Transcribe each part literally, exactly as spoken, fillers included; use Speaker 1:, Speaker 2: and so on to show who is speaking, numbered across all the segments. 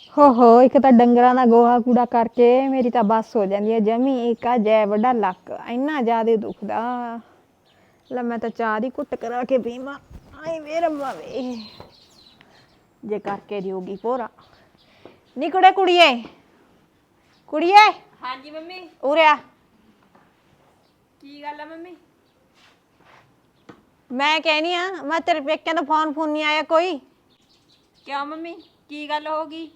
Speaker 1: ਹੋ ਹੋ ਇੱਕ ਤਾਂ ਡੰਗਰਾਂ ਦਾ ਗੋਹਾ ਕੂੜਾ ਕਰਕੇ ਮੇਰੀ ਤਾਂ ਬੱਸ ਹੋ ਜਾਂਦੀ ਹੈ ਜਮੀ। ਇੱਕ ਆ ਜੈ ਵੱਡਾ ਲੱਕ ਇੰਨਾ ਜ਼ਿਆਦਾ ਦੁਖਦਾ। ਲੈ ਮੈਂ ਤਾਂ ਚਾਹ ਦੀ ਘੁੱਟ ਕਰਾ ਕੇ ਪੀਵਾਂ। ਆਏ ਵੇ ਰੱਬਾ ਵੇ, ਜੇ ਕਰਕੇ ਦਿਓਗੀ ਭੋਰਾ। ਨੀ ਕੁੜੇ ਕੁੜੀਏ ਕੁੜੀਏ
Speaker 2: ਹਾਂਜੀ ਮੰਮੀ।
Speaker 1: ਉਰੇ ਆ।
Speaker 2: ਕੀ ਗੱਲ ਆ ਮੰਮੀ?
Speaker 1: ਮੈਂ ਕਹਿਨੀ ਆ ਮੈਂ ਤੇਰੇ ਪੇਕਿਆਂ ਦਾ ਫੋਨ ਫੋਨ ਨਹੀਂ ਆਇਆ ਕੋਈ?
Speaker 2: ਕਿਉਂ ਮੰਮੀ, ਕੀ ਗੱਲ ਹੋ ਗਈ?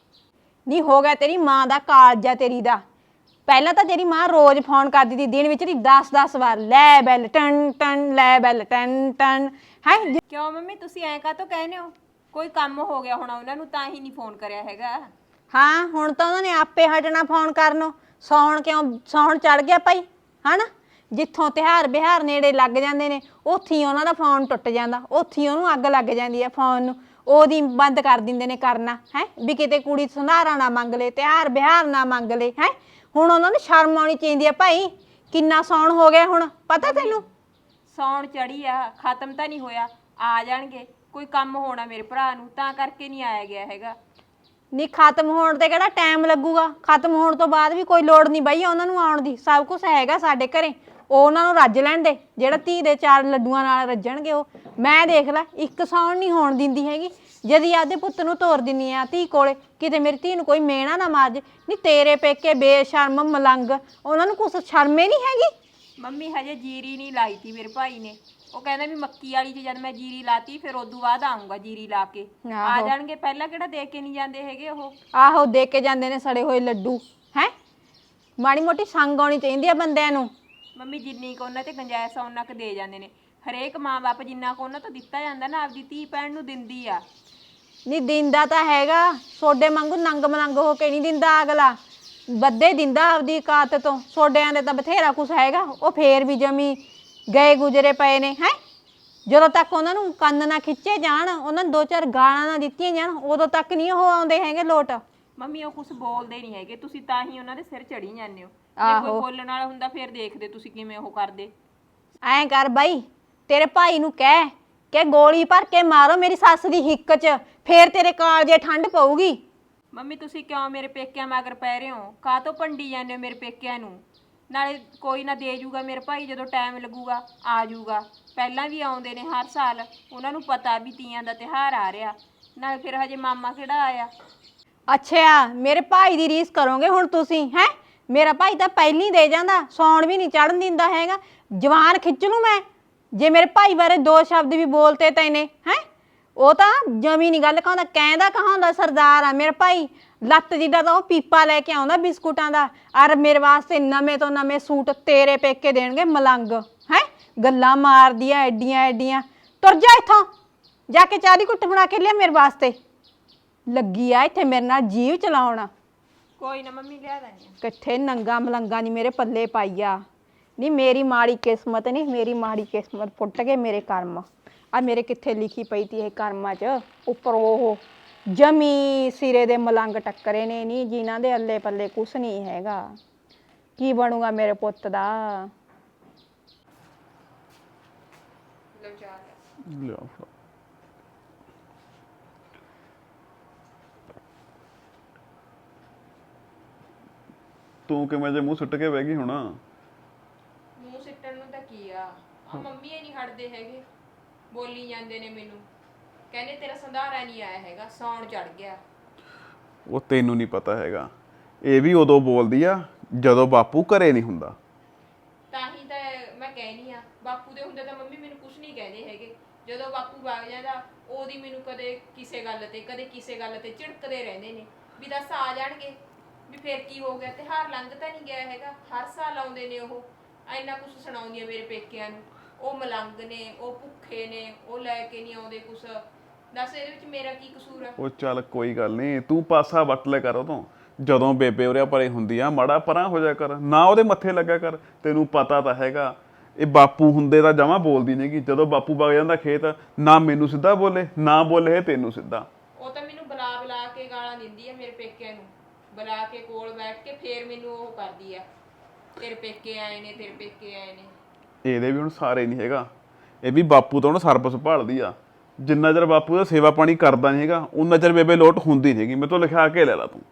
Speaker 1: ਨਹੀਂ ਹੋ ਗਿਆ ਤੇਰੀ ਮਾਂ ਦਾ ਕਾਲਜ ਆ ਤੇਰੀ ਦਾ। ਪਹਿਲਾਂ ਤਾਂ ਤੇਰੀ ਮਾਂ ਰੋਜ਼ ਫੋਨ ਕਰਦੀ ਸੀ, ਦਿਨ ਵਿੱਚ ਦੀ ਦਸ ਦਸ ਵਾਰ, ਲੈ ਬੈਲ ਟਨ ਟਨ, ਲੈ ਬੈਲ ਟਨ ਟਨ। ਹੈ
Speaker 2: ਕਿਉਂ ਮੰਮੀ ਤੁਸੀਂ ਐਂ ਕਾਹਤੋਂ ਕਹਿੰਦੇ ਹੋ? ਕੋਈ ਕੰਮ ਹੋ ਗਿਆ ਹੋਣਾ ਉਹਨਾਂ ਨੂੰ, ਤਾਂ ਹੀ ਨਹੀਂ ਫੋਨ ਕਰਿਆ ਹੈਗਾ।
Speaker 1: ਹਾਂ ਹੁਣ ਤਾਂ ਉਹਨਾਂ ਨੇ ਆਪੇ ਹਟਣਾ ਫੋਨ ਕਰਨੋਂ। ਸੌਣ ਕਿਉਂ, ਸੌਣ ਚੜ ਗਿਆ ਭਾਈ ਹਨਾ। ਜਿੱਥੋਂ ਤਿਉਹਾਰ ਬਿਹਾਰ ਨੇੜੇ ਲੱਗ ਜਾਂਦੇ ਨੇ ਉੱਥੇ ਹੀ ਉਹਨਾਂ ਦਾ ਫੋਨ ਟੁੱਟ ਜਾਂਦਾ, ਉੱਥੇ ਹੀ ਉਹਨੂੰ ਅੱਗ ਲੱਗ ਜਾਂਦੀ ਹੈ ਫੋਨ ਨੂੰ। ਉਹਦੀ ਬੰਦ ਕਰ ਦਿੰਦੇ ਨੇ ਕਰਨਾ, ਹੈ ਵੀ ਕਿਤੇ ਕੁੜੀ ਸੰਧਾਰਾ ਨਾ ਮੰਗ ਲੇ, ਤਿਉਹਾਰ ਬਿਹਾਰ ਨਾ ਮੰਗ ਲੇ। ਹੈ ਹੁਣ ਉਹਨਾਂ ਨੂੰ ਸ਼ਰਮ ਆਉਣੀ ਚਾਹੀਦੀ ਹੈ ਭਾਈ। ਕਿੰਨਾ ਸੌਣ ਹੋ ਗਿਆ ਹੁਣ ਪਤਾ ਤੈਨੂੰ?
Speaker 2: ਸੌਣ ਚੜੀ ਆ, ਖਤਮ ਤਾਂ ਨਹੀਂ ਹੋਇਆ। ਆ ਜਾਣਗੇ, ਕੋਈ ਕੰਮ ਹੋਣਾ ਮੇਰੇ ਭਰਾ ਨੂੰ, ਤਾਂ ਕਰਕੇ ਨਹੀਂ ਆਇਆ ਗਿਆ ਹੈਗਾ।
Speaker 1: ਨਹੀਂ ਖਤਮ ਹੋਣ ਤੇ ਕਿਹੜਾ ਟਾਈਮ ਲੱਗੂਗਾ? ਖਤਮ ਹੋਣ ਤੋਂ ਬਾਅਦ ਵੀ ਕੋਈ ਲੋੜ ਨਹੀਂ ਬਈ ਉਹਨਾਂ ਨੂੰ ਆਉਣ ਦੀ। ਸਭ ਕੁਝ ਹੈਗਾ ਸਾਡੇ ਘਰੇ, ਉਹ ਉਹਨਾਂ ਨੂੰ ਰੱਜ ਲੈਣ ਦੇ। ਜਿਹੜਾ ਧੀ ਦੇ ਚਾਰ ਲੱਡੂਆਂ ਨਾਲ ਰੱਜਣਗੇ ਉਹ। ਮੈਂ ਦੇਖ ਲੈ ਇੱਕ ਸੌਣ ਨਹੀਂ ਹੋਣ ਦਿੰਦੀ ਹੈਗੀ। ਜਦੀ ਆਪਦੇ ਪੁੱਤ ਨੂੰ ਤੋਰ ਦਿੰਨੀ ਆ ਧੀ ਕੋਲੇ, ਕਿਤੇ ਮੇਰੀ ਧੀ ਨੂੰ ਕੋਈ ਮੇਣਾ ਨਾ ਮਾਰ ਜੇ। ਨਹੀਂ ਤੇਰੇ ਪੇਕੇ ਬੇਸ਼ਰਮ ਮਲੰਗ, ਉਹਨਾਂ ਨੂੰ ਕੁਛ ਸ਼ਰਮੇ ਨਹੀਂ ਹੈਗੀ।
Speaker 2: ਮੰਮੀ ਹਜੇ ਜੀਰੀ ਨਹੀਂ ਲਾਈ ਤੀ ਮੇਰੇ ਭਾਈ ਨੇ। ਉਹ ਕਹਿੰਦਾ ਵੀ ਮੱਕੀ ਵਾਲੀ 'ਚ ਜਦ ਮੈਂ ਜੀਰੀ ਲਾਤੀ ਫਿਰ ਉਦੋਂ ਬਾਅਦ ਆਊਂਗਾ ਜੀਰੀ ਲਾ ਕੇ। ਆ ਜਾਣਗੇ, ਪਹਿਲਾਂ ਕਿਹੜਾ ਦੇ ਕੇ ਨਹੀਂ ਜਾਂਦੇ ਹੈਗੇ ਉਹ।
Speaker 1: ਆਹੋ ਦੇ ਕੇ ਜਾਂਦੇ ਨੇ ਸੜੇ ਹੋਏ ਲੱਡੂ। ਹੈ ਮਾੜੀ ਮੋਟੀ ਸੰਗ ਆਉਣੀ ਚਾਹੀਦੀ ਆ ਬੰਦਿਆਂ ਨੂੰ।
Speaker 2: ਮੰਮੀ ਜਿੰਨੀ ਕੁ ਉਹਨਾਂ ਤੇ ਗੁੰਜਾਇਸ਼ ਆ ਉਹਨਾਂ ਕੁ ਦੇ ਜਾਂਦੇ ਨੇ। ਹਰੇਕ ਮਾਂ ਬਾਪ ਜਿੰਨਾ ਕੁ ਉਹਨਾਂ ਤੋਂ ਦਿੱਤਾ ਜਾਂਦਾ ਨਾ ਆਪਦੀ ਧੀ ਭੈਣ ਨੂੰ ਦਿੰਦੀ ਆ।
Speaker 1: ਨਹੀਂ ਦਿੰਦਾ ਤਾਂ ਹੈਗਾ, ਸੋਡੇ ਵਾਂਗੂ ਨੰਗ ਮਲੰਗ ਹੋ ਕੇ ਨਹੀਂ ਦਿੰਦਾ ਅਗਲਾ। ਵੱਧੇ ਦਿੰਦਾ ਆਪਦੀ ਔਕਾਤ ਤੋਂ। ਸੋਡਿਆਂ ਦੇ ਤਾਂ ਬਥੇਰਾ ਕੁਛ ਹੈਗਾ, ਉਹ ਫੇਰ ਵੀ ਜਮੀ ਗਏ ਗੁਜਰੇ ਪਏ ਨੇ। ਹੈ ਜਦੋਂ ਤੱਕ ਉਹਨਾਂ ਨੂੰ ਕੰਨ ਨਾ ਖਿੱਚੇ ਜਾਣ, ਉਹਨਾਂ ਨੂੰ ਦੋ ਚਾਰ ਗਾਲਾਂ ਨਾ ਦਿੱਤੀਆਂ ਜਾਣ, ਉਦੋਂ ਤੱਕ ਨਹੀਂ ਉਹ ਆਉਂਦੇ ਹੈਗੇ ਲੋਟ।
Speaker 2: ਮੰਮੀ ਉਹ ਕੁਛ ਬੋਲਦੇ ਨਹੀਂ ਹੈਗੇ, ਤੁਸੀਂ ਤਾਂ ਹੀ ਉਹਨਾਂ ਦੇ ਸਿਰ ਚੜੀ ਜਾਂਦੇ ਹੋ। ਜੇ ਕੋਈ ਬੋਲਣ ਵਾਲਾ ਹੁੰਦਾ ਫਿਰ ਦੇਖਦੇ ਤੁਸੀਂ ਕਿਵੇਂ ਉਹ ਕਰਦੇ।
Speaker 1: ਐਂ ਕਰ ਬਾਈ, ਤੇਰੇ ਭਾਈ ਨੂੰ ਕਹਿ ਕਿ ਗੋਲੀ ਭਰ ਕੇ ਮਾਰੋ ਮੇਰੀ ਸੱਸ ਦੀ ਹਿੱਕ 'ਚ, ਫੇਰ ਤੇਰੇ ਕਾਲਜੇ ਠੰਡ ਪਊਗੀ।
Speaker 2: ਮੰਮੀ ਤੁਸੀਂ ਕਿਉਂ ਮੇਰੇ ਪੇਕਿਆਂ ਮਗਰ ਪੈ ਰਹੇ ਹੋ? ਕਾਹਤੋਂ ਭੰਡੀ ਜਾਂਦੇ ਹੋ ਮੇਰੇ ਪੇਕਿਆਂ ਨੂੰ? ਨਾਲੇ ਕੋਈ ਨਾ ਦੇ ਜੂਗਾ ਮੇਰੇ ਭਾਈ, ਜਦੋਂ ਟਾਈਮ ਲੱਗੂਗਾ ਆ ਜੂਗਾ। ਪਹਿਲਾਂ ਵੀ ਆਉਂਦੇ ਨੇ ਹਰ ਸਾਲ, ਉਹਨਾਂ ਨੂੰ ਪਤਾ ਵੀ ਤੀਆਂ ਦਾ ਤਿਉਹਾਰ ਆ ਰਿਹਾ। ਨਾਲੇ ਫਿਰ ਹਜੇ ਮਾਮਾ ਕਿਹੜਾ ਆਇਆ।
Speaker 1: ਅੱਛਾ ਮੇਰੇ ਭਾਈ ਦੀ ਰੀਸ ਕਰੋਗੇ ਹੁਣ ਤੁਸੀਂ? ਹੈ ਮੇਰਾ ਭਾਈ ਤਾਂ ਪਹਿਲੀ ਦੇ ਜਾਂਦਾ, ਸੌਣ ਵੀ ਨਹੀਂ ਚੜਨ ਦਿੰਦਾ ਹੈਗਾ। ਜਵਾਨ ਖਿੱਚ ਲੂ ਮੈਂ ਜੇ ਮੇਰੇ ਭਾਈ ਬਾਰੇ ਦੋ ਸ਼ਬਦ ਵੀ ਬੋਲਤੇ ਤੈਨੇ। ਹੈ ਉਹ ਤਾਂ ਜਮੀ ਨਹੀਂ ਗੱਲ ਕਹਾਉਂਦਾ, ਕਹਿੰਦਾ ਕਹਾਉਂਦਾ ਸਰਦਾਰ ਆ ਮੇਰਾ ਭਾਈ। ਲੱਤ ਜਿੱਡਾ ਤਾਂ ਉਹ ਪੀਪਾ ਲੈ ਕੇ ਆਉਂਦਾ ਬਿਸਕੁਟਾਂ ਦਾ। ਅਰ ਮੇਰੇ ਵਾਸਤੇ ਨਵੇਂ ਤੋਂ ਨਵੇਂ ਸੂਟ ਤੇਰੇ ਪੇਕੇ ਦੇਣਗੇ ਮਲੰਗ। ਹੈ ਗੱਲਾਂ ਮਾਰਦੀਆਂ ਐਡੀਆਂ ਐਡੀਆਂ। ਤੁਰ ਜਾ ਇੱਥੋਂ, ਜਾ ਕੇ ਚਾਹ ਦੀ ਘੁੱਟ ਬਣਾ ਕੇ ਲਿਆ ਮੇਰੇ ਵਾਸਤੇ। ਲੱਗੀ ਆ ਇੱਥੇ ਮੇਰੇ ਨਾਲ ਜੀਵ ਚਲਾਉਣ।
Speaker 2: ਕੋਈ ਨਾ ਮੰਮੀ ਲਿਆ ਦਾਂਗੇ।
Speaker 1: ਕਿੱਥੇ ਨੰਗਾ ਮਲੰਗਾ ਨਹੀਂ ਮੇਰੇ ਪੱਲੇ ਪਾਈਆ। ਨਹੀਂ ਮੇਰੀ ਮਾੜੀ ਕਿਸਮਤ ਨਹੀਂ, ਮੇਰੀ ਮਾੜੀ ਕਿਸਮਤ ਫੁੱਟ ਗਏ ਮੇਰੇ ਕਰਮ। ਆ ਮੇਰੇ ਕਿੱਥੇ ਲਿਖੀ ਪਈ ਤੀ ਇਹ ਕਰਮਾਂ 'ਚ। ਉੱਪਰ ਉਹ ਜਮੀ ਸਿਰੇ ਦੇ ਮਲੰਗ ਟੱਕਰੇ ਨੇ, ਨਹੀਂ ਜਿਨ੍ਹਾਂ ਦੇ ਅੱਲੇ ਪੱਲੇ ਕੁਛ ਨਹੀਂ ਹੈਗਾ। ਕੀ ਬਣੂਗਾ ਮੇਰੇ ਪੁੱਤ ਦਾ?
Speaker 3: ਲਿਆ ਤੂੰ ਕਿਵੇਂ ਜੇ ਮੂੰਹ ਸੁੱਟ ਕੇ ਬਹਿ ਗਈ ਹੁਣ?
Speaker 2: ਮੂੰਹ ਸਿੱਟਣ ਨੂੰ ਤਾਂ ਕੀ ਆ, ਆ ਮੰਮੀ ਇਹ ਨਹੀਂ ਹਟਦੇ ਹੈਗੇ। ਬੋਲੀ ਜਾਂਦੇ ਨੇ ਮੈਨੂੰ, ਕਹਿੰਦੇ ਤੇਰਾ ਸੰਧਾਰਾ ਨਹੀਂ ਆਇਆ ਹੈਗਾ, ਸੌਣ ਚੜ ਗਿਆ।
Speaker 3: ਉਹ ਤੈਨੂੰ ਨਹੀਂ ਪਤਾ ਹੈਗਾ, ਇਹ ਵੀ ਉਦੋਂ ਬੋਲਦੀ ਆ ਜਦੋਂ ਬਾਪੂ ਘਰੇ ਨਹੀਂ ਹੁੰਦਾ।
Speaker 2: ਤਾਂ ਹੀ ਤਾਂ ਮੈਂ ਕਹਿਨੀ ਆ, ਬਾਪੂ ਦੇ ਹੁੰਦੇ ਤਾਂ ਮੰਮੀ ਮੈਨੂੰ ਕੁਝ ਨਹੀਂ ਕਹਿੰਦੇ ਹੈਗੇ। ਜਦੋਂ ਬਾਪੂ ਵਗ ਜਾਂਦਾ ਉਹਦੀ ਮੈਨੂੰ ਕਦੇ ਕਿਸੇ ਗੱਲ ਤੇ ਕਦੇ ਕਿਸੇ ਗੱਲ ਤੇ ਝਿੜਕਦੇ ਰਹਿੰਦੇ ਨੇ ਵੀ ਦੱਸ ਆ ਜਾਣਗੇ ਵੀ ਫਿਰ ਕੀ ਹੋ ਗਿਆ, ਤਿਉਹਾਰ ਲੰਘ ਤਾਂ ਨਹੀਂ ਗਿਆ ਹੈਗਾ। ਹਰ ਸਾਲ ਆਉਂਦੇ ਨੇ ਉਹ, ਇੰਨਾ ਕੁਛ ਸੁਣਾਉਂਦੀਆਂ ਮੇਰੇ ਪੇਕਿਆਂ ਨੂੰ। ਉਹ ਮਲੰਗ ਨੇ, ਉਹ ਭੁੱਖੇ ਨੇ, ਉਹ ਲੈ ਕੇ ਨਹੀਂ ਆਉਂਦੇ ਕੁਛ। ਦੱਸ ਇਹਦੇ ਵਿੱਚ ਮੇਰਾ ਕੀ ਕਸੂਰ ਆ?
Speaker 3: ਉਹ ਚੱਲ ਕੋਈ ਗੱਲ ਨਹੀਂ, ਤੂੰ ਪਾਸਾ ਵੱਟ ਲੈ ਕਰ ਉਦੋਂ। ਜਦੋਂ ਬੇਬੇ ਉਰਿਆ ਪਰੇ ਹੁੰਦੀ ਆ ਮਾੜਾ ਪਰਾਂ ਹੋ ਜਾ ਕਰ, ਨਾ ਉਹਦੇ ਮੱਥੇ ਲੱਗਿਆ ਕਰ। ਤੈਨੂੰ ਪਤਾ ਤਾਂ ਹੈਗਾ ਇਹ ਬਾਪੂ ਹੁੰਦੇ ਤਾਂ ਜਮਾਂ ਬੋਲਦੀ ਨਹੀਂ ਗੀ। ਜਦੋਂ ਬਾਪੂ ਵਗ ਜਾਂਦਾ ਖੇਤ, ਨਾ ਮੈਨੂੰ ਸਿੱਧਾ ਬੋਲੇ ਨਾ ਬੋਲੇ ਤੈਨੂੰ ਸਿੱਧਾ।
Speaker 2: ਉਹ ਤਾਂ ਮੈਨੂੰ ਬੁਲਾ ਬੁਲਾ ਕੇ ਗਾਲਾਂ ਦਿੰਦੀ ਆ ਮੇਰੇ ਪੇਕਿਆਂ ਨੂੰ। ਬੁਲਾ ਕੇ ਕੋਲ ਬੈਠ ਕੇ ਫੇਰ ਮੈਨੂੰ ਉਹ ਕਰਦੀ ਆ, ਤੇਰੇ ਪੇਕੇ ਆਏ ਨੇ, ਤੇਰੇ ਪੇਕੇ ਆਏ ਨੇ।
Speaker 3: ਇਹਦੇ ਵੀ ਹੁਣ ਸਾਰੇ ਨਹੀਂ ਹੈਗਾ, ਇਹ ਵੀ ਬਾਪੂ ਤੋਂ ਹੁਣ ਸਰਬਸ ਭਾਲਦੀ ਆ। ਜਿੰਨਾ ਚਿਰ ਬਾਪੂ ਦਾ ਸੇਵਾ ਪਾਣੀ ਕਰਦਾ ਨਹੀਂ ਹੈਗਾ ਉਨਾ ਚਿਰ ਬੇਬੇ ਲੋਟ ਹੁੰਦੀ ਨਹੀਂਗੀ। ਮੇਰੇ ਤੋਂ ਲਿਖਾ ਕੇ ਲੈ ਲਾ ਤੂੰ।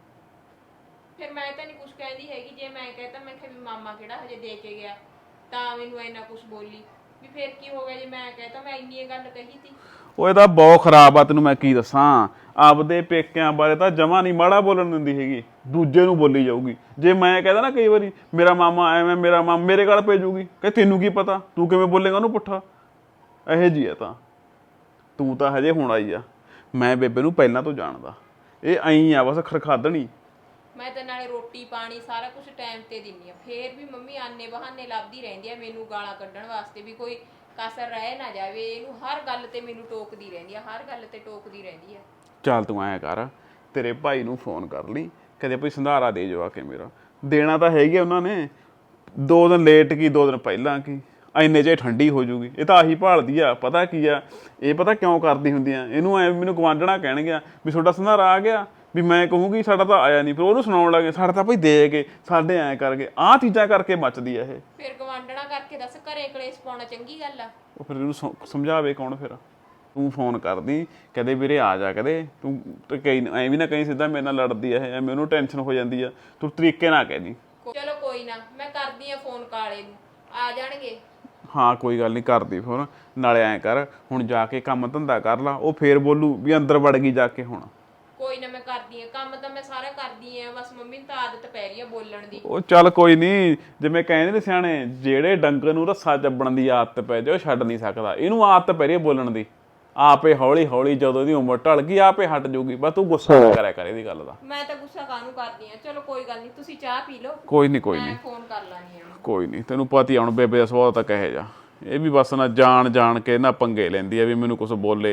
Speaker 2: ਫਿਰ ਮੈਂ ਤਾਂ ਨਹੀਂ ਕੁਝ ਕਹਿੰਦੀ ਹੈਗੀ। ਜੇ ਮੈਂ ਕਹਤਾ ਮੈਂ ਕਿਹਾ ਵੀ ਮਾਮਾ ਕਿਹੜਾ ਹਜੇ ਦੇ ਕੇ ਗਿਆ ਤਾਂ ਮੈਨੂੰ ਇੰਨਾ ਕੁਝ ਬੋਲੀ ਵੀ ਫਿਰ ਕੀ ਹੋ ਗਿਆ ਜੇ ਮੈਂ ਕਹਤਾ ਮੈਂ ਇੰਨੀ ਗੱਲ ਕਹੀ ਤੀ।
Speaker 3: ਉਹ ਇਹਦਾ ਬਹੁਤ ਖਰਾਬ ਆ, ਤੈਨੂੰ ਮੈਂ ਕੀ ਦੱਸਾਂ। ਆਪਦੇ ਪੇਕਿਆਂ ਬਾਰੇ ਤਾਂ ਜਮਾ ਨਹੀਂ ਮਾੜਾ ਬੋਲਣ ਦਿੰਦੀ ਹੈਗੀ, ਦੂਜੇ ਨੂੰ ਬੋਲੀ ਜਾਊਗੀ। ਜੇ ਮੈਂ ਕਹਿੰਦਾ ਨਾ ਕਈ ਵਾਰੀ ਮੇਰਾ ਮਾਮਾ ਐਵੇਂ ਮੇਰਾ ਮਾਮਾ ਮੇਰੇ ਗਲ ਪੈ ਜਾਊਗੀ ਕਿ ਤੈਨੂੰ ਕੀ ਪਤਾ, ਤੂੰ ਕਿਵੇਂ ਬੋਲੇਗਾ ਉਹਨੂੰ ਪੁੱਠਾ। ਇਹੋ ਜੀ ਆ ਤਾਂ ਤੂੰ ਤਾਂ ਹਜੇ ਹੁਣ ਆਈ ਆ। ਮੈਂ ਬੇਬੇ ਨੂੰ ਪਹਿਲਾਂ ਤੋਂ ਜਾਣਦਾ, ਇਹ ਐਂ ਆ ਬਸ ਖਰਖਾਦਣੀ।
Speaker 2: ਮੈਂ ਤਾਂ ਨਾਲੇ ਰੋਟੀ ਪਾਣੀ ਸਾਰਾ ਕੁਝ ਟਾਈਮ ਤੇ ਦਿੰਨੀ ਆ, ਫੇਰ ਵੀ ਮੰਮੀ ਆਨੇ ਬਹਾਨੇ ਲੱਭਦੀ ਰਹਿੰਦੀ ਆ ਮੈਨੂੰ ਗਾਲਾਂ ਕੱਢਣ ਵਾਸਤੇ ਵੀ ਕੋਈ ਕਸਰ ਰਹਿ ਨਾ ਜਾਵੇ। ਇਹਨੂੰ ਹਰ ਗੱਲ ਤੇ ਮੈਨੂੰ ਟੋਕਦੀ ਰਹਿੰਦੀ ਆ, ਹਰ ਗੱਲ ਤੇ ਟੋਕਦੀ ਰਹਿੰਦੀ ਆ।
Speaker 3: ਚੱਲ ਤੂੰ ਐਂ ਕਰ, ਤੇਰੇ ਭਾਈ ਨੂੰ ਫੋਨ ਕਰ ਲਈ, ਕਦੇ ਕੋਈ ਸੰਧਾਰਾ ਦੇ ਜਾਵਾ ਕੇ ਮੇਰਾ। ਦੇਣਾ ਤਾਂ ਹੈਗੀ ਉਹਨਾਂ ਨੇ, ਦੋ ਦਿਨ ਲੇਟ ਕੀ ਦੋ ਦਿਨ ਪਹਿਲਾਂ ਕੀ, ਇੰਨੇ 'ਚ ਠੰਡੀ ਹੋ ਜੂਗੀ। ਇਹ ਤਾਂ ਆਹੀ ਭਾਲਦੀ ਆ। ਪਤਾ ਕੀ ਆ ਇਹ, ਪਤਾ ਕਿਉਂ ਕਰਦੀ ਹੁੰਦੀ ਆ ਇਹਨੂੰ? ਐ ਮੈਨੂੰ ਗਵਾਂਢਣਾ ਕਹਿਣਗੇ ਵੀ ਤੁਹਾਡਾ ਸੰਧਾਰਾ ਆ ਗਿਆ, ਵੀ ਮੈਂ ਕਹੂੰਗੀ ਸਾਡਾ ਤਾਂ ਆਇਆ ਨਹੀਂ, ਫਿਰ ਉਹਨੂੰ ਸੁਣਾਉਣ ਲੱਗੇ ਸਾਡਾ ਤਾਂ ਭਾਈ ਦੇ ਗਏ, ਸਾਡੇ ਐਂ ਕਰਕੇ। ਆਹ ਚੀਜ਼ਾਂ ਕਰਕੇ ਮੱਚਦੀ ਆ ਇਹ।
Speaker 2: ਫਿਰ ਗਵਾਂਢਣਾ ਕਰਕੇ ਦੱਸ ਘਰੇ ਕਲੇਸ਼ ਪਾਉਣਾ ਚੰਗੀ ਗੱਲ ਆ?
Speaker 3: ਉਹ ਫਿਰ ਇਹਨੂੰ ਸਮ- ਸਮਝਾਵੇ ਕੌਣ? ਫਿਰ ਤੂੰ ਫੋਨ ਕਰਦੀ ਕਦੇ ਵੀਰੇ ਆ ਜਾ ਕਦੇ, ਤੂੰ ਤੇ ਕਈ ਐ ਵੀ ਨਾ ਕਹੀਂ ਸਿੱਧਾ ਮੇਰੇ ਨਾਲ ਲੜਦੀ ਆ ਇਹ, ਐਵੇਂ ਉਹਨੂੰ ਟੈਨਸ਼ਨ ਹੋ ਜਾਂਦੀ ਆ। ਤੂੰ ਤਰੀਕੇ ਨਾਲ ਕਹਿ ਦੀ।
Speaker 2: ਚਲੋ ਕੋਈ ਨਾ, ਮੈਂ ਕਰਦੀ ਆ ਫੋਨ ਕਾਲੇ ਨੂੰ, ਆ ਜਾਣਗੇ।
Speaker 3: ਹਾਂ ਕੋਈ ਗੱਲ ਨਹੀਂ, ਕਰਦੀ ਫੋਨ। ਨਾਲੇ ਐਂ ਕਰ ਹੁਣ ਜਾ ਕੇ ਕੰਮ ਧੰਦਾ ਕਰ ਲਾ, ਉਹ ਫੇਰ ਬੋਲੂ ਵੀ ਅੰਦਰ ਵੜ ਗਈ ਜਾ ਕੇ। ਹੁਣ
Speaker 2: ਕੋਈ ਨਾ ਮੈਂ ਕਰਦੀ ਆ ਕੰਮ ਤਾਂ ਮੈਂ ਸਾਰਾ ਕਰਦੀ ਆ, ਬਸ ਮੰਮੀ ਨੂੰ ਤਾਂ ਆਦਤ ਪੈ ਰਹੀ ਆ ਬੋਲਣ ਦੀ।
Speaker 3: ਉਹ ਚੱਲ ਕੋਈ ਨਹੀਂ, ਜਿਵੇਂ ਕਹਿੰਦੇ ਨੇ ਸਿਆਣੇ, ਜਿਹੜੇ ਡੰਗਰ ਨੂੰ ਰੱਸਾ ਚੱਬਣ ਦੀ ਆਦਤ ਪੈ ਜਾਏ ਉਹ ਛੱਡ ਨਹੀਂ ਸਕਦਾ। ਇਹਨੂੰ ਆਦਤ ਪੈ ਰਹੀ ਹੈ ਬੋਲਣ ਦੀ, ਆਪੇ ਹੌਲੀ ਹੌਲੀ ਜਦੋਂ ਦੀ ਉਮਰ ਢਲ ਗਈ ਆਪੇ ਹਟ ਜਾਊਗੀ। ਬਸ ਤੂੰ ਗੁੱਸਾ ਨਾ ਕਰਿਆ ਕਰ ਇਹਦੀ ਗੱਲ ਦਾ।
Speaker 2: ਮੈਂ ਤਾਂ ਗੁੱਸਾ ਕਾਹਨੂੰ ਕਰਦੀ ਆ। ਚਲੋ ਕੋਈ ਗੱਲ ਨਹੀਂ, ਤੁਸੀਂ ਚਾਹ ਪੀ ਲਓ,
Speaker 3: ਕੋਈ ਨਹੀਂ ਕੋਈ ਨਹੀਂ
Speaker 2: ਮੈਂ ਫੋਨ ਕਰ ਲਾਂਗੀ ਉਹਨੂੰ।
Speaker 3: ਕੋਈ ਨਹੀਂ, ਤੈਨੂੰ ਪਤਾ ਹੀ ਹੁਣ ਬੇਬੇ ਦਾ ਸੁਭਾਅ ਤਾਂ ਕਹੇ ਜਾ। ਇਹ ਵੀ ਬਸ ਨਾ ਜਾਣ ਜਾਣ ਕੇ ਨਾ ਪੰਗੇ ਲੈਂਦੀ ਆ ਵੀ ਮੈਨੂੰ ਕੁਝ ਬੋਲੇ।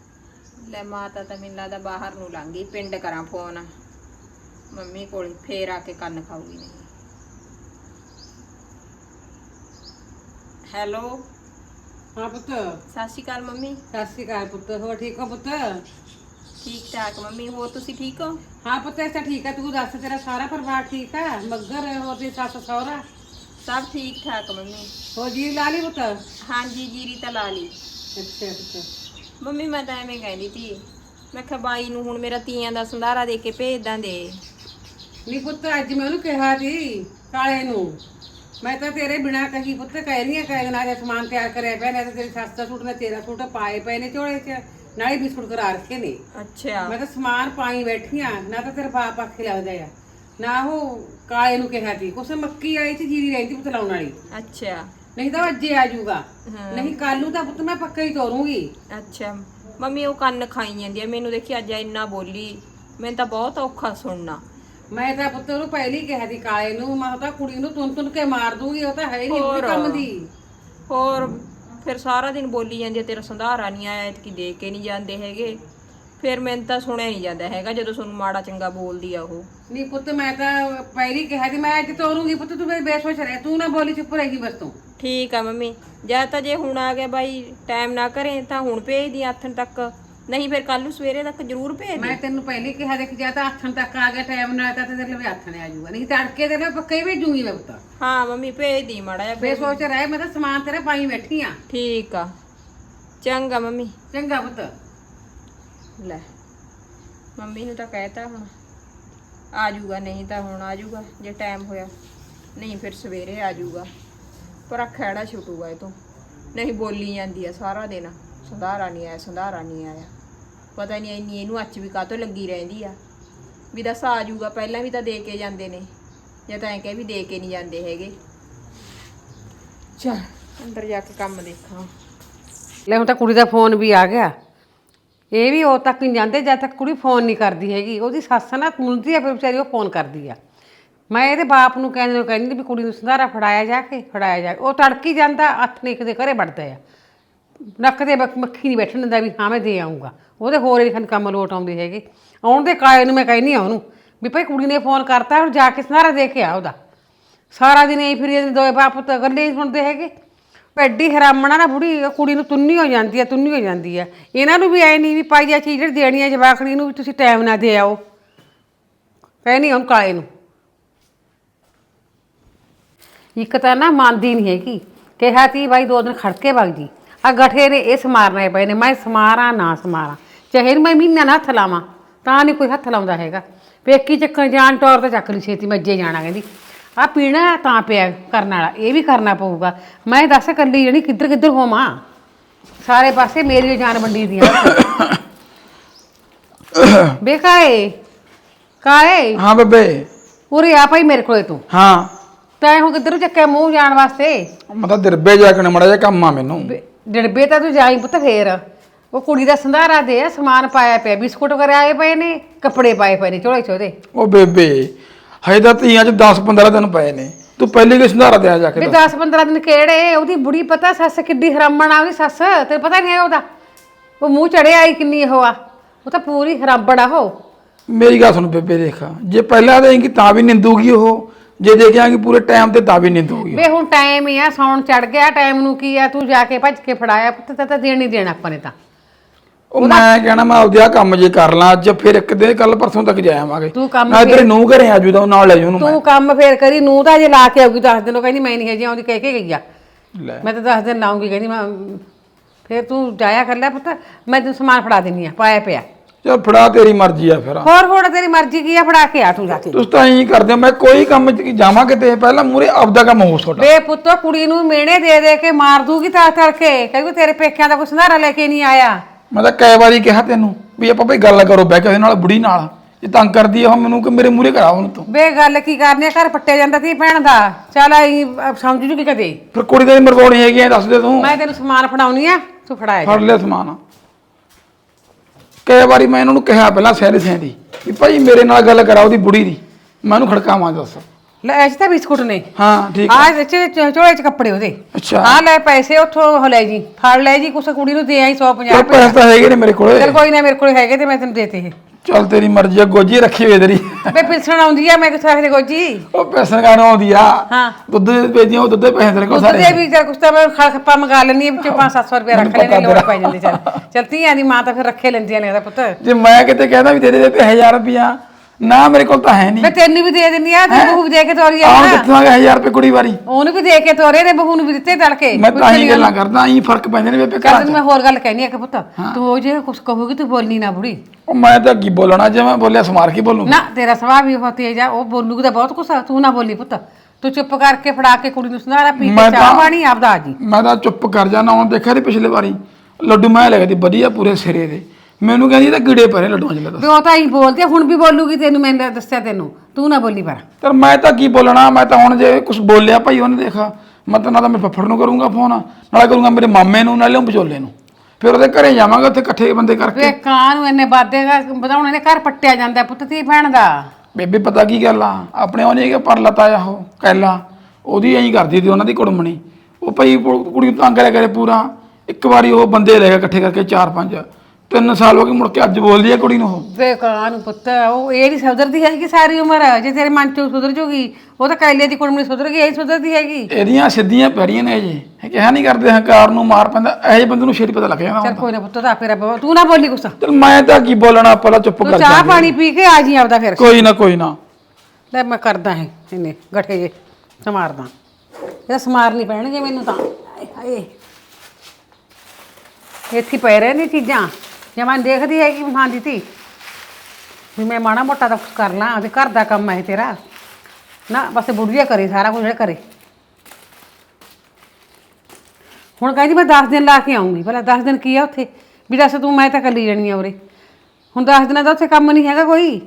Speaker 2: ਲੈ ਮਾਤਾ ਤਾਂ ਮੈਨੂੰ ਲੱਗਦਾ ਬਾਹਰ ਨੂੰ ਲੰਘ ਗਈ, ਪਿੰਡ ਕਰਾਂ ਫੋਨ ਮੰਮੀ ਕੋਲ, ਫੇਰ ਆ ਕੇ ਕੰਨ ਖਾਊਗੀ। ਨਹੀਂ ਹੈਲੋ,
Speaker 4: ਹਾਂ ਪੁੱਤ।
Speaker 2: ਸਤਿ ਸ਼੍ਰੀ ਅਕਾਲ ਮੰਮੀ।
Speaker 4: ਸਤਿ ਸ਼੍ਰੀ ਅਕਾਲ ਪੁੱਤ, ਹੋਰ ਠੀਕ ਹੋ ਪੁੱਤ?
Speaker 2: ਠੀਕ ਠਾਕ ਮੰਮੀ, ਹੋਰ ਤੁਸੀਂ ਠੀਕ ਹੋ?
Speaker 4: ਹਾਂ ਪੁੱਤ ਐਸਾ ਠੀਕ ਆ, ਤੂੰ ਦੱਸ ਤੇਰਾ ਸਾਰਾ ਪਰਿਵਾਰ ਠੀਕ ਆ? ਮੱਗਰ ਹੋਰ ਦੀ ਸੱਸ ਸਹੁਰਾ
Speaker 2: ਸਭ ਠੀਕ ਠਾਕ ਮੰਮੀ।
Speaker 4: ਹੋਰ ਜੀ ਲਾ ਲਈ ਪੁੱਤ?
Speaker 2: ਹਾਂਜੀ ਜੀਰੀ ਤਾਂ ਲਾ ਲਈ।
Speaker 4: ਅੱਛਾ ਪੁੱਤ।
Speaker 2: ਮੰਮੀ ਮੈਂ ਤਾਂ ਐਵੇਂ ਕਹਿੰਦੀ ਸੀ, ਮੈਂ ਕਿਹਾ ਬਾਈ ਨੂੰ ਹੁਣ ਮੇਰਾ ਤੀਆਂ ਦਾ ਸੰਧਾਰਾ ਦੇ ਕੇ ਭੇਜ ਦਾਂ ਦੇ।
Speaker 4: ਨਹੀਂ ਪੁੱਤ ਅੱਜ ਮੈਂ ਉਹਨੂੰ ਕਿਹਾ ਸੀ ਕਾਲੇ ਨੂੰ, ਮੈਂ ਤਾਂ ਤੇਰੇ ਬਿਨਾ ਕਹੀ ਪੁੱਤ ਕਹਿ ਰਹੀ ਆ ਕਿ ਨਾ ਸਮਾਨ ਤਿਆਰ ਕਰਿਆ ਪਿਆ, ਨਾ ਤਾਂ ਤੇਰੀ ਸੱਸ ਦਾ ਸੂਟ ਨਾ ਤੇਰਾ ਸੂਟ ਪਾਏ ਪਏ ਨੇ ਝੋਲੇ 'ਚ, ਨਾਲੇ ਬਿਸਕੁਟ ਕਰਾ ਰੱਖੇ ਨੇ।
Speaker 2: ਅੱਛਾ
Speaker 4: ਮੈਂ ਤਾਂ ਸਮਾਨ ਪਾਈ ਬੈਠੀ ਆ, ਨਾ ਤਾਂ ਤੇਰਾ ਬਾਪ ਆਖੇ ਲੱਗਦਾ ਆ, ਨਾ ਉਹ ਕਾਲੇ ਨੂੰ ਕਿਹਾ ਸੀ ਕੁਛ ਮੱਕੀ ਵਾਲੀ 'ਚ ਜੀਰੀ ਰਹਿੰਦੀ ਪੁੱਤ ਲਾਉਣ ਵਾਲੀ।
Speaker 2: ਅੱਛਾ
Speaker 4: ਨਹੀਂ ਤਾਂ ਅੱਜੇ ਆ ਜਾਊਗਾ, ਨਹੀਂ ਕੱਲ ਨੂੰ ਤਾਂ ਪੁੱਤ ਮੈਂ ਪੱਕਾ ਹੀ ਤੋਰੂੰਗੀ।
Speaker 2: ਅੱਛਾ ਮੰਮੀ ਉਹ ਕੰਨ ਖਾਈ ਜਾਂਦੀ ਆ ਮੈਨੂੰ, ਦੇਖੀ ਅੱਜ ਇੰਨਾ ਬੋਲੀ, ਮੈਨੂੰ ਤਾਂ ਬਹੁਤ ਔਖਾ ਸੁਣਨਾ।
Speaker 4: ਮੈਂ ਤਾਂ ਪੁੱਤ ਨੂੰ ਪਹਿਲੀ ਕਿਹਾ ਸੀ ਕਾਲੇ ਨੂੰ, ਮੈਂ ਤਾਂ ਕੁੜੀ ਨੂੰ ਤੁੰਨ ਤੁੰਨ ਕੇ ਮਾਰ ਦੂੰਗੀ, ਉਹ ਤਾਂ ਹੈ ਹੀ ਨਹੀਂ ਉਹ ਕੰਮ ਦੀ।
Speaker 2: ਹੋਰ ਫਿਰ ਸਾਰਾ ਦਿਨ ਬੋਲੀ ਜਾਂਦੀ ਆ ਤੇਰਾ ਸੰਧਾਰਾ ਨਹੀਂ ਆਇਆ, ਇਤਕੀ ਦੇ ਕੇ ਨਹੀਂ ਜਾਂਦੇ ਹੈਗੇ। ਫਿਰ ਮੈਨੂੰ ਤਾਂ ਸੁਣਿਆ ਨਹੀਂ ਜਾਂਦਾ ਹੈਗਾ ਜਦੋਂ ਤੁਹਾਨੂੰ ਮਾੜਾ ਚੰਗਾ ਬੋਲਦੀ ਆ ਉਹ।
Speaker 4: ਨਹੀਂ ਪੁੱਤ ਮੈਂ ਤਾਂ ਪਹਿਲੀ ਕਿਹਾ ਸੀ ਮੈਂ ਅੱਜ ਤੋਰੂੰਗੀ ਪੁੱਤ, ਤੂੰ ਮੇਰੇ ਬੇਸੋਚ ਰਹਿ, ਤੂੰ ਨਾ ਬੋਲੀ, ਚੁੱਪ ਰਹੀ ਬਸ ਤੂੰ।
Speaker 2: ਠੀਕ ਆ ਮੰਮੀ, ਜਾਂ ਤਾਂ ਜੇ ਹੁਣ ਆ ਗਿਆ ਬਾਈ ਟਾਈਮ ਨਾ ਕਰੇ ਤਾਂ ਹੁਣ ਭੇਜ ਦੀ ਆਥਣ ਤੱਕ, ਨਹੀਂ ਫਿਰ ਕੱਲ ਨੂੰ ਸਵੇਰੇ ਤੱਕ ਜ਼ਰੂਰ ਭੇਜ ਦੇ।
Speaker 4: ਮੈਂ ਤੈਨੂੰ ਪਹਿਲੀ ਕਿਹਾ ਦੇਖ, ਜਾਂ ਤਾਂ ਆਥਣ ਤੱਕ ਆ ਗਿਆ ਟਾਈਮ ਨਾਲ ਤਾਂ ਤੇਰੇ ਲਈ ਆਥਣ ਆ ਜਾਊਗਾ, ਨਹੀਂ ਤੜਕੇ ਤੇਰੇ ਪੱਕਾ ਹੀ ਭੇਜੂਗੀ ਮੈਂ ਪੁੱਤ।
Speaker 2: ਹਾਂ ਮੰਮੀ ਭੇਜ ਦੀ ਮਾੜਾ ਜਿਹਾ।
Speaker 4: ਬੇਸੋਚ ਰਹਿ, ਮੈਂ ਤਾਂ ਸਮਾਨ ਤੇਰਾ ਪਾਈ ਬੈਠੀ ਆ।
Speaker 2: ਠੀਕ ਆ, ਚੰਗਾ ਮੰਮੀ।
Speaker 4: ਚੰਗਾ ਪੁੱਤ।
Speaker 2: ਲੈ ਮੰਮੀ ਨੂੰ ਤਾਂ ਕਹਿਤਾ ਹੁਣ ਆ ਜਾਊਗਾ, ਨਹੀਂ ਤਾਂ ਹੁਣ ਆ ਜਾਊਗਾ ਜੇ ਟਾਈਮ ਹੋਇਆ, ਨਹੀਂ ਫਿਰ ਸਵੇਰੇ ਆ ਜਾਊਗਾ। ਪਰ ਆ ਖੈੜਾ ਛੁੱਟੂਗਾ ਇਹ ਤੋਂ, ਨਹੀਂ ਬੋਲੀ ਜਾਂਦੀ ਆ ਸਾਰਾ ਦਿਨ, ਸੰਧਾਰਾ ਨਹੀਂ ਆਇਆ ਸੰਧਾਰਾ ਨਹੀਂ ਆਇਆ। ਪਤਾ ਨਹੀਂ ਇੰਨੀ ਇਹਨੂੰ ਅੱਚ ਵੀ ਕਾਹਤੋਂ ਲੱਗੀ ਰਹਿੰਦੀ ਆ ਵੀ ਦੱਸ ਆ ਜਾਊਗਾ, ਪਹਿਲਾਂ ਵੀ ਤਾਂ ਦੇ ਕੇ ਜਾਂਦੇ ਨੇ, ਜਾਂ ਤਾਂ ਐਂ ਕਹਿ ਵੀ ਦੇ ਕੇ ਨਹੀਂ ਜਾਂਦੇ ਹੈਗੇ। ਚੱਲ ਅੰਦਰ ਜਾ ਕੇ ਕੰਮ ਦੇਖਾਂ।
Speaker 4: ਲੈ ਹੁਣ ਤਾਂ ਕੁੜੀ ਦਾ ਫੋਨ ਵੀ ਆ ਗਿਆ, ਇਹ ਵੀ ਉਹ ਤੱਕ ਨਹੀਂ ਜਾਂਦੇ ਜਦ ਤੱਕ ਕੁੜੀ ਫੋਨ ਨਹੀਂ ਕਰਦੀ ਹੈਗੀ। ਉਹਦੀ ਸੱਸ ਨਾ ਮੁੰਦੀ ਆ, ਫਿਰ ਵਿਚਾਰੀ ਉਹ ਫੋਨ ਕਰਦੀ ਆ। ਮੈਂ ਇਹਦੇ ਬਾਪ ਨੂੰ ਕਹਿੰਦੇ ਨੂੰ ਕਹਿੰਦੀ ਵੀ ਕੁੜੀ ਨੂੰ ਸੰਧਾਰਾ ਫੜਾਇਆ ਜਾ ਕੇ ਫੜਾਇਆ ਜਾ ਕੇ, ਉਹ ਤੜਕੀ ਜਾਂਦਾ ਹੱਥ ਨੇ ਕਦੇ ਘਰੇ ਵੜਦਾ ਆ, ਨੱਕ ਦੇ ਮੱਖੀ ਨਹੀਂ ਬੈਠਣ ਦਿੰਦਾ ਵੀ ਹਾਂ ਮੈਂ ਦੇ ਆਊਂਗਾ। ਉਹਦੇ ਹੋਰ ਇਹ ਕੰਮ ਲੋਟ ਆਉਂਦੇ ਹੈਗੇ। ਆਉਣ ਦੇ ਕਾਲੇ ਨੂੰ ਮੈਂ ਕਹਿੰਦੀ ਆ ਉਹਨੂੰ ਵੀ ਭਾਈ ਕੁੜੀ ਨੇ ਫੋਨ ਕਰਤਾ, ਹੁਣ ਜਾ ਕੇ ਸੰਧਾਰਾ ਦੇ ਕੇ ਆ ਉਹਦਾ। ਸਾਰਾ ਦਿਨ ਇਹ ਫਿਰ ਦੋਏ ਬਾਪ ਤਾਂ ਗੱਲੇ ਨਹੀਂ ਸੁਣਦੇ ਹੈਗੇ। ਐਡੀ ਹਰਾਮਣਾ ਨਾ ਬੁੜੀ, ਕੁੜੀ ਨੂੰ ਤੁੰਨੀ ਹੋ ਜਾਂਦੀ ਆ ਤੁੰਨੀ ਹੋ ਜਾਂਦੀ ਆ। ਇਹਨਾਂ ਨੂੰ ਵੀ ਐ ਨਹੀਂ ਵੀ ਪਾਈ ਆ ਚੀਜ਼ ਜਿਹੜੀ ਦੇਣੀ ਆ ਜਵਾਕੜੀ ਨੂੰ ਵੀ ਤੁਸੀਂ ਟਾਈਮ ਨਾ ਦੇ ਆਓ। ਕਹਿੰਦੀ ਹੁਣ ਕਾਲੇ ਨੂੰ ਇੱਕ ਤਾਂ ਨਾ ਮੰਨਦੀ ਨਹੀਂ ਹੈਗੀ, ਕਿਹਾ ਤੀ ਬਾਈ ਦੋ ਦਿਨ ਖੜ ਕੇ ਵਗ ਜੀ, ਆ ਗਠੇ ਨੇ ਇਹ ਸਮਾਰਨੇ ਪਏ ਨੇ ਮੈਂ ਸਮਾਰਾਂ ਨਾ ਸਮਾਰਾਂ ਚਾਹੇ ਮੈਂ ਮਹੀਨਾ ਨਾ ਹੱਥ ਲਾਵਾਂ ਤਾਂ ਨਹੀਂ ਕੋਈ ਹੱਥ ਲਾਉਂਦਾ ਹੈਗਾ ਪੇਕੀ ਚੱਕਣ ਜਾਣ ਟੌਰ ਤੇ ਚੱਕ ਲਈ ਛੇਤੀ ਮੈਂ ਅੱਜੇ ਜਾਣਾ ਕਹਿੰਦੀ ਆ ਪੀਣਾ ਤਾਂ ਪਿਆ ਕਰਨ ਵਾਲਾ ਇਹ ਵੀ ਕਰਨਾ ਪਊਗਾ ਮੈਂ ਦੱਸ ਇਕੱਲੀ ਜਿਹੜੀ ਕਿੱਧਰ ਕਿੱਧਰ ਹੋਵਾਂ ਸਾਰੇ ਪਾਸੇ ਮੇਰੀ ਜਾਨ ਵੰਡੀ ਦੀਆਂ ਬੇਕਾਏ ਕਾਏ
Speaker 5: ਹਾਂ ਬੇਬੇ
Speaker 4: ਉਰੇ ਆ ਭਾਈ ਮੇਰੇ ਕੋਲੇ ਤੂੰ
Speaker 5: ਹਾਂ
Speaker 4: ਤੈਂ ਹੁਣ ਕਿੱਧਰ ਚੱਕਿਆ ਮੂੰਹ ਜਾਣ ਵਾਸਤੇ
Speaker 5: ਮੈਂ ਤਾਂ ਦਿਰਬੇ ਜਾ ਕੇ ਮੜਾ ਜਿਹਾ ਕੰਮ ਆ ਮੈਨੂੰ
Speaker 4: ਡੜਬੇ ਤਾਂ ਤੂੰ ਜਾਈ ਪੁੱਤ ਫੇਰ ਉਹ ਕੁੜੀ ਦਾ ਸੰਧਾਰਾ ਦੇ ਆ ਸਮਾਨ ਪਾਇਆ ਪਿਆ ਬਿਸਕੁਟ ਵਗੈਰਾ ਆਏ ਪਏ ਨੇ ਕੱਪੜੇ ਪਾਏ ਪਏ ਨੇ ਝੋਲੇ ਚੋਦੇ
Speaker 5: ਉਹ ਬੇਬੇ ਹਜੇ ਤਾਂ ਧੀਆਂ ਚ ਦਸ ਪੰਦਰਾਂ ਦਿਨ ਪਏ ਨੇ ਤੂੰ ਪਹਿਲੇ ਕਿ ਸੰਧਾਰਾ ਦਿਆ ਜਾ ਕੇ
Speaker 4: ਵੀ
Speaker 5: ਦੱਸ।
Speaker 4: ਦਸ ਪੰਦਰਾਂ ਦਿਨ ਕਿਹੜੇ ਉਹਦੀ ਬੁੜੀ ਪਤਾ ਸੱਸ ਕਿੱਡੀ ਹਰਾਮਣ ਆ ਉਹਦੀ ਸੱਸ ਤੈਨੂੰ ਪਤਾ ਨਹੀਂ ਹੈ ਉਹਦਾ ਉਹ ਮੂੰਹ ਚੜਿਆ ਆਈ ਕਿੰਨੀ ਉਹ ਆ ਉਹ ਤਾਂ ਪੂਰੀ ਹਰਾਮਣ ਆ ਉਹ
Speaker 5: ਮੇਰੀ ਗੱਲ ਸੁਣ ਬੇਬੇ ਦੇਖ ਜੇ ਪਹਿਲਾਂ ਦੇਂਗੀ ਤਾਂ ਵੀ ਨਿੰਦੂਗੀ ਉਹ ਜੇ ਦੇਖਿਆਂਗੀ ਪੂਰੇ ਟਾਈਮ ਤੇ ਤਾਂ ਵੀ ਨਿੰਦੂਗੀ
Speaker 4: ਵੇ ਹੁਣ ਟਾਈਮ ਹੀ ਆ ਸੌਣ ਚੜ ਗਿਆ ਟਾਈਮ ਨੂੰ ਕੀ ਆ ਤੂੰ ਜਾ ਕੇ ਭੱਜ ਕੇ ਫੜਾਇਆ ਪੁੱਤ ਤਾਂ ਦੇਣ ਨਹੀਂ ਦੇਣਾ ਆਪਾਂ ਨੇ ਤਾਂ
Speaker 5: ਉਹ ਮੈਂ ਕਹਿਣਾ ਮੈਂ ਆਪਦੇ ਆ ਕੰਮ ਜੇ ਕਰ ਲਾਂ ਅੱਜ ਫਿਰ ਇੱਕ ਦਿਨ ਕੱਲ ਪਰਸੋਂ ਤੱਕ ਜਾ ਆਵਾਂਗੇ
Speaker 4: ਤੂੰ ਕੰਮ
Speaker 5: ਮੈਂ ਤੇਰੇ ਨੂੰ ਘਰੇ ਆਜੂ ਤਾਂ ਨਾਲ ਲੈ ਜੂ ਉਹਨੂੰ
Speaker 4: ਤੂੰ ਕੰਮ ਫੇਰ ਕਰੀ ਨੂੰ ਤਾਂ ਜੇ ਲਾ ਕੇ ਆਉਗੀ ਦਸ ਦਿਨ ਉਹ ਕਹਿੰਦੀ ਮੈਂ ਨਹੀਂ ਹੈ ਜੀ ਆਉਂਦੀ ਕਹਿ ਕੇ ਗਈ ਆ
Speaker 5: ਲੈ
Speaker 4: ਮੈਂ ਤਾਂ ਦਸ ਦਿਨ ਲਾਉਂਗੀ ਕਹਿੰਦੀ ਮੈਂ ਫੇਰ ਤੂੰ ਜਾਇਆ ਕਰ ਲੈ ਪੁੱਤ ਮੈਂ ਤੈਨੂੰ ਸਮਾਨ ਫੜਾ ਦਿੰਨੀ ਆ ਪਾਇਆ ਪਿਆ
Speaker 5: ਚਲ ਫੜਾ ਤੇਰੀ ਮਰਜ਼ੀ ਆ ਫਿਰ
Speaker 4: ਹੋਰ ਹੋਰ ਤੇਰੀ ਮਰਜ਼ੀ ਕੀ ਆ ਫੜਾ ਕੇ ਆ ਤੂੰ ਜਾ ਕੇ
Speaker 5: ਤੁਸੀਂ ਤਾਂ ਐਂ ਕਰਦੇ ਹੋ ਮੈਂ ਕੋਈ ਕੰਮ ਚ ਜਾਵਾਂ ਕਿਤੇ ਪਹਿਲਾਂ ਮੂਰੇ ਆਪਦਾ ਕੰਮ ਹੋ ਛੋਟਾ
Speaker 4: ਵੇ ਪੁੱਤ ਕੁੜੀ ਨੂੰ ਮੇਣੇ ਦੇ ਦੇ ਕੇ ਮਾਰ ਦੂਗੀ ਤਾਂ ਤੜਕੇ ਕਹਿੰਦੀ ਤੇਰੇ ਪੇਕਿਆਂ ਦਾ ਕੋਈ ਸੰਧਾਰਾ ਲੈ ਕੇ ਨਹੀਂ ਆਇਆ
Speaker 5: ਮੈਂ ਤਾਂ ਕਈ ਵਾਰੀ ਕਿਹਾ ਤੈਨੂੰ ਵੀ ਆਪਾਂ ਭਾਈ ਗੱਲ ਕਰੋ ਬਹਿ ਕੇ ਉਹਦੇ ਨਾਲ ਬੁੜੀ ਨਾਲ ਇਹ ਤੰਗ ਕਰਦੀ ਆ ਉਹ ਮੈਨੂੰ ਕਿ ਮੇਰੇ ਮੂਰੇ ਕਰਾ ਉਹਨੂੰ ਤੂੰ
Speaker 4: ਵੇ ਗੱਲ ਕੀ ਕਰਨੀ ਆ ਘਰ ਪੱਟਿਆ ਜਾਂਦਾ ਤੀ ਭੈਣ ਦਾ ਚੱਲ ਆਈ ਸਮਝ ਜੂਗੀ ਕਦੇ
Speaker 5: ਫਿਰ ਕੁੜੀ ਦਾ ਮਰਵਾਉਣੀ ਹੈਗੀ ਐ ਦੱਸ ਦੇ ਤੂੰ
Speaker 4: ਮੈਂ ਤੈਨੂੰ ਸਮਾਨ ਫੜਾਉਣੀ ਆ ਤੂੰ ਫੜਾਇਆ
Speaker 5: ਫੜ ਲਿਆ ਸਮਾਨ ਕਈ ਵਾਰੀ ਮੈਂ ਇਹਨਾਂ ਨੂੰ ਕਿਹਾ ਪਹਿਲਾਂ ਸਹਿਰੇ ਸਹਿਦੀ ਵੀ ਭਾਈ ਮੇਰੇ ਨਾਲ ਗੱਲ ਕਰਾ ਉਹਦੀ ਬੁੜੀ ਦੀ ਮੈਂ ਉਹਨੂੰ ਖੜਕਾਵਾਂ ਦੱਸ
Speaker 4: ਲੈ ਐਸ ਤਾਂ ਬਿਸਕੁਟ ਨੇ
Speaker 5: ਹਾਂ ਠੀਕ
Speaker 4: ਆ ਵਿੱਚ ਝੋਲੇ ਚ ਕੱਪੜੇ ਉਹਦੇ
Speaker 5: ਅੱਛਾ
Speaker 4: ਆ ਲੈ ਪੈਸੇ ਉੱਥੋਂ ਉਹ ਲੈ ਜੀ ਫੜ ਲੈ ਜੀ ਕੁਛ ਕੁੜੀ ਨੂੰ ਦੇ ਆਈ ਸੌ ਪੰਜਾਹ
Speaker 5: ਤੇ
Speaker 4: ਰੁਪਏ
Speaker 5: ਪੈਸੇ ਤਾਂ ਹੈਗੇ ਨੇ ਮੇਰੇ ਕੋਲੇ
Speaker 4: ਚਲ ਕੋਈ ਨਾ ਮੇਰੇ ਕੋਲ ਹੈਗੇ ਤੇ ਮੈਂ ਤੈਨੂੰ ਦੇਤੇ ਇਹ
Speaker 5: ਚੱਲ ਤੇਰੀ ਮਰਜ਼ੀ ਆ ਗੋਜੀ ਰੱਖੀ ਹੋਈ ਤੇਰੀ
Speaker 4: ਵੇ ਪਿਲਸਣ ਆਉਂਦੀ ਆ ਮੈਂ ਕਿਥੋਂ ਆਖਦੇ ਗੋਜੀ
Speaker 5: ਉਹ ਪੈਸੇ ਕਾਹਨੂੰ ਆਉਂਦੀ ਆ
Speaker 4: ਹਾਂ
Speaker 5: ਦੁੱਧ ਵੇਚਦੀਆਂ ਉਹ ਦੁੱਧ ਦੇ ਪੈਸੇ ਤੇਰੇ ਕੋਲ
Speaker 4: ਦੁੱਧ
Speaker 5: ਸਾਰੇ
Speaker 4: ਦੇ ਵੀ ਚਲ ਕੁਛ ਤਾਂ ਮੈਂ ਖਾ ਖੱਪਾ ਮੰਗਾ ਲੈਣੀ ਵਿੱਚੋਂ ਪੰਜ ਸੱਤ ਸੌ ਰੁਪਏ ਰੱਖ ਲੈਣੇ ਲੋੜ ਪੈ ਜਾਂਦੀ ਚਲ ਚਲ ਧੀਆਂ ਦੀ ਮਾਂ ਤਾਂ ਫਿਰ ਰੱਖੇ ਲੈਂਦੀਆਂ ਨੇ ਇਹਦਾ ਪੁੱਤ
Speaker 5: ਜੇ ਮੈਂ ਕਿਤੇ ਕਹਿੰਦਾ ਵੀ ਦੇ ਦੇ ਤੇ ਹਜ਼ਾਰ ਰੁਪਿਆ ਨਾ ਮੇਰੇ ਕੋਲ ਤਾਂ ਹੈ ਨਹੀਂ
Speaker 4: ਮੈਂ ਤੈਨੂੰ ਵੀ ਦੇ ਦਿੰਦੀ ਆ ਤੇ ਬਹੂ ਵੀ ਦੇ ਕੇ ਤੋਰੀ ਆ
Speaker 5: ਆਹ ਕਿੱਥੋਂ ਆ ਗਿਆ ਹਜ਼ਾਰ ਰੁਪਏ ਕੁੜੀ ਵਾਰੀ
Speaker 4: ਉਹਨੂੰ ਵੀ ਦੇ ਕੇ ਤੋਰੇ ਨੇ ਬਹੂ ਨੂੰ ਵੀ ਦਿੱਤੇ ਤੜਕੇ
Speaker 5: ਮੈਂ ਤਾਂ ਹੀ ਗੱਲਾਂ ਕਰਦਾ ਐਂ ਫਰਕ ਪੈਂਦੇ ਨੇ ਬੇਬੇ ਘਰਾਂ
Speaker 4: ਤੈਨੂੰ ਮੈਂ ਹੋਰ ਗੱਲ ਕਹਿਣੀ ਆ ਕਿ ਪੁੱਤ ਤੂੰ ਉਹ ਜੇ ਕੁਛ ਕਹੋਗੀ ਤੂੰ ਬੋਲਣੀ ਨਾ ਬੁੜੀ
Speaker 5: ਉਹ ਮੈਂ ਤਾਂ ਕੀ ਬੋਲਣਾ ਜੇ ਮੈਂ ਬੋਲਿਆ ਸਮਾਰ ਕੇ ਬੋਲੂ
Speaker 4: ਨਾ ਤੇਰਾ ਸੁਭਾਅ ਵੀ ਉਹ ਤੇਜ ਆ ਉਹ ਬੋਲੂਗੀ ਤਾਂ ਬਹੁਤ ਕੁਛ ਆ, ਤੂੰ ਨਾ ਬੋਲੀ ਪੁੱਤ ਤੂੰ ਚੁੱਪ ਕਰਕੇ ਫੜਾ ਕੇ ਕੁੜੀ ਨੂੰ ਸੁਨਾਰਾ ਪੀ
Speaker 5: ਮੈਂ
Speaker 4: ਕੇ
Speaker 5: ਤਾਂ-
Speaker 4: ਚਾਹ ਪਾਣੀ ਆਪਦਾ ਆ ਜੀ
Speaker 5: ਮੈਂ ਤਾਂ ਚੁੱਪ ਕਰ ਜਾਣਾ ਹੁਣ ਦੇਖਿਆ ਤੇ ਪਿਛਲੇ ਵਾਰੀ ਲੱਡੂ ਮੈਂ ਲੈ ਗਈ ਵਧੀਆ ਪੂਰੇ ਸਿਰੇ ਦੇ ਮੈਨੂੰ ਕਹਿੰਦੀ ਤਾਂ ਕੀੜੇ ਪਰੇ ਲੱਡੂਆਂ ਚ ਲੱਗਾ
Speaker 4: ਵੀ ਉਹ ਤਾਂ ਹੀ ਬੋਲਦੀ ਆ, ਹੁਣ ਵੀ ਬੋਲੂਗੀ ਤੈਨੂੰ ਮੈਂ ਦੱਸਿਆ ਤੈਨੂੰ ਤੂੰ ਨਾ ਬੋਲੀ ਪਰ
Speaker 5: ਤੇ ਮੈਂ ਤਾਂ ਕੀ ਬੋਲਣਾ ਮੈਂ ਤਾਂ ਹੁਣ ਜੇ ਕੁਝ ਬੋਲਿਆ ਭਾਈ ਉਹਨੇ ਦੇਖਾ ਮੈਂ ਤਾਂ ਨਾ ਤਾਂ ਮੇਰੇ ਫੱਫੜ ਨੂੰ ਕਰੂੰਗਾ ਫੋਨ ਨਾਲੇ ਕਰੂੰਗਾ ਮੇਰੇ ਮਾਮੇ ਨੂੰ ਨਾਲੇ ਉਹ ਵਿਚੋਲੇ ਨੂੰ ਫਿਰ ਉਹਦੇ ਘਰੇ ਜਾਵਾਂਗਾ ਉੱਥੇ ਇਕੱਠੇ ਬੰਦੇ ਕਰਕੇ
Speaker 4: ਵੇ ਕਾਂ ਨੂੰ ਇੰਨੇ ਬਾਦੇਗਾ ਵਧਾਉਣੇ ਨੇ ਘਰ ਪੱਟਿਆ ਜਾਂਦਾ ਪੁੱਤ ਤੀ ਭੈਣ ਦਾ
Speaker 5: ਬੇਬੇ ਪਤਾ ਕੀ ਗੱਲ ਆ ਆਪਣੇ ਉਹਨੇ ਕਿ ਪਰ ਲਤਾ ਆ ਉਹ ਕੈਲਾ ਉਹਦੀ ਐਂ ਕਰਦੀ ਸੀ ਉਹਨਾਂ ਦੀ ਕੁੜਮਣੀ ਉਹ ਭਾਈ ਕੁੜੀ ਨੂੰ ਤੰਗ ਕਰਿਆ ਕਰੇ ਪੂਰਾ ਇੱਕ ਵਾਰੀ ਉਹ ਬੰਦੇ ਲੈ ਕੇ ਇਕੱਠੇ ਕਰਕੇ ਚਾਰ ਪੰਜ ਤਿੰਨ ਸਾਲ ਹੋ ਗਏ ਮੁੜ ਕੇ ਅੱਜ ਬੋਲਦੀ ਆ ਕੁੜੀ ਨੂੰ ਉਹ
Speaker 4: ਵੇ ਕਾਂ ਨੂੰ ਪੁੱਤ ਉਹ ਇਹ ਨਹੀਂ ਸੁਧਰਦੀ ਹੈਗੀ ਸਾਰੀ ਉਮਰ ਜੇ ਤੇਰੇ ਮਨ ਚੋਂ ਸੁਧਰ ਜੂਗੀ ਉਹ ਤਾਂ ਕੈਲੇ ਦੀ ਕੁੜਮਣੀ ਸੁਧਰ ਗਈ ਇਹ ਸੁਧਰਦੀ ਹੈਗੀ
Speaker 5: ਇਹਦੀਆਂ ਸਿੱਧੀਆਂ ਪੈੜੀਆਂ ਨੇ ਜੇ ਇਹ ਕਿਹਾ ਨਹੀਂ ਕਰਦੇ ਹੰਕਾਰ ਨੂੰ ਮਾਰ ਪੈਂਦਾ ਇਹੋ ਜਿਹੇ ਬੰਦੇ ਨੂੰ ਛੇਤੀ ਪਤਾ ਲੱਗ ਜਾਂਦਾ
Speaker 4: ਚੱਲ ਕੋਈ ਨਾ ਪੁੱਤ ਤਾਂ ਫੇਰ ਆਪਾਂ- ਤੂੰ ਨਾ ਬੋਲੀ ਕੁਛ
Speaker 5: ਚਲ ਮੈਂ ਤਾਂ ਕੀ ਬੋਲਣਾ ਪਹਿਲਾਂ ਚੁੱਪ
Speaker 4: ਤੂੰ
Speaker 5: ਕਰ
Speaker 4: ਚਾਹ
Speaker 5: ਜਾ
Speaker 4: ਪਾਣੀ ਪੀ ਕੇ ਆ ਜੀ ਆਪਦਾ ਫਿਰ
Speaker 5: ਕੋਈ ਨਾ ਕੋਈ ਨਾ
Speaker 4: ਲੈ ਮੈਂ ਕਰਦਾ ਹੈ ਇਹਨੇ ਗਠੇ ਜੇ ਸਮਾਰਦਾ ਇਹ ਸਮਾਰਨੀ ਪੈਣਗੇ ਮੈਨੂੰ ਤਾਂ ਹਾਏ ਹਾਏ ਇੱਥੇ ਪੈ ਰਹੇ ਨੇ ਚੀਜ਼ਾਂ ਜੇ ਮੈਂ ਦੇਖਦੀ ਹੈ ਕਿ ਮਾਂ ਦੀ ਧੀ ਵੀ ਮੈਂ ਮਾੜਾ ਮੋਟਾ ਤਾਂ ਕੁਛ ਕਰ ਲਾਂ ਉਹਦੇ ਘਰ ਦਾ ਕੰਮ ਹੈ ਤੇਰਾ ਨਾ ਬਸ ਬੁੜੀਆ ਕਰੇ ਸਾਰਾ ਕੁਝ ਕਰੇ ਹੁਣ ਕਹਿੰਦੀ ਮੈਂ ਦਸ ਦਿਨ ਲਾ ਕੇ ਆਉਂਗੀ ਭਲਾ ਦਸ ਦਿਨ ਕੀ ਆ ਉੱਥੇ ਵੀ ਦੱਸ ਤੂੰ ਮੈਂ ਤਾਂ ਕੱਲੀ ਜਾਣੀ ਆ ਉਰੇ ਹੁਣ ਦਸ ਦਿਨਾਂ ਦਾ ਉੱਥੇ ਕੰਮ ਨਹੀਂ ਹੈਗਾ ਕੋਈ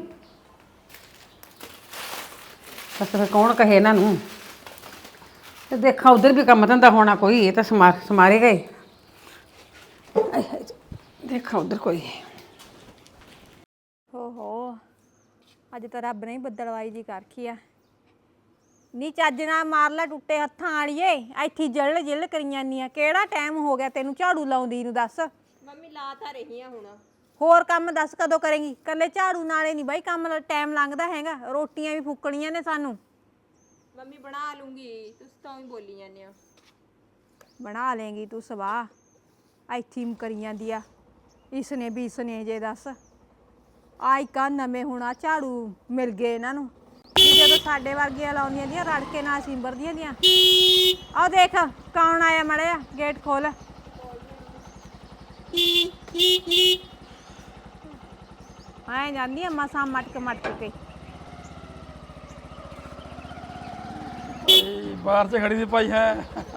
Speaker 4: ਬਸ ਫਿਰ ਕੌਣ ਕਹੇ ਇਹਨਾਂ ਨੂੰ ਤੇ ਦੇਖਾਂ ਉਧਰ ਵੀ ਕੰਮ ਧੰਦਾ ਹੋਣਾ ਕੋਈ ਇਹ ਤਾਂ ਸਮਾਰ ਸਮਾਰੇ ਗਏ ਆਏ ਹਾਏ ਦੇਖਾਂ ਉਧਰ ਕੋਈ
Speaker 1: ਓਹੋ ਅੱਜ ਤਾਂ ਰੱਬ ਨੇ ਹੀ ਬੱਦਲਵਾਈ ਜੀ ਕਰਖੀ ਆ ਨੀ ਚੱਜ ਨਾਲ ਮਾਰ ਲੈ ਟੁੱਟੇ ਹੱਥਾਂ ਵਾਲੀਏ ਇੱਥੇ ਜਲ ਜਿਲ ਕਰੀ ਜਾਂਦੀ ਆ ਕਿਹੜਾ ਟਾਈਮ ਹੋ ਗਿਆ ਤੈਨੂੰ ਝਾੜੂ ਲਾਉਂਦੀ ਨੂੰ ਦੱਸ
Speaker 2: ਮੰਮੀ ਲਾ ਤਾਂ ਰਹੀ ਆ ਹੁਣ
Speaker 1: ਹੋਰ ਕੰਮ ਦੱਸ ਕਦੋਂ ਕਰੇਂਗੀ ਕੱਲੇ ਝਾੜੂ ਨਾਲੇ ਨਹੀਂ ਬਾਈ ਕੰਮ ਟਾਈਮ ਲੰਘਦਾ ਹੈਗਾ ਰੋਟੀਆਂ ਵੀ ਫੁੱਕਣੀਆਂ ਨੇ ਸਾਨੂੰ
Speaker 2: ਮੰਮੀ ਬਣਾ ਲੂੰਗੀ ਤੁਸੀਂ ਤਾਂ ਹੀ ਬੋਲੀ ਜਾਂਦੇ ਆ
Speaker 1: ਬਣਾ ਲੇਂਗੀ ਤੂੰ ਸਵਾਹ ਇੱਥੇ ਹੀ ਕਰੀ ਜਾਂਦੀ ਆ ਇਸਨੇ ਵੀ ਇਸਨੇ ਜੇ ਦੱਸ ਆਈ ਕਾ ਨਵੇਂ ਹੁਣ ਆ ਝਾੜੂ ਮਿਲ ਗਏ ਇਹਨਾਂ ਨੂੰ ਵੀ ਜਦੋਂ ਸਾਡੇ ਵਰਗੀਆਂ ਲਾਉਂਦੀਆਂ ਦੀਆਂ ਰੜ ਕੇ ਨਾਲ ਸਿੰਬਰਦੀਆਂ ਦੀਆਂ ਆਹ ਦੇਖ ਕੌਣ ਆਇਆ ਮੜਿਆ ਗੇਟ ਖੋਲ ਐ ਜਾਂਦੀ ਆ ਮਸਾਂ ਮਟਕ ਮਟਕ ਕੇ।
Speaker 5: ਇਹ ਬਾਹਰ 'ਚ ਖੜੀ ਦੀ ਭਾਈ ਹੈ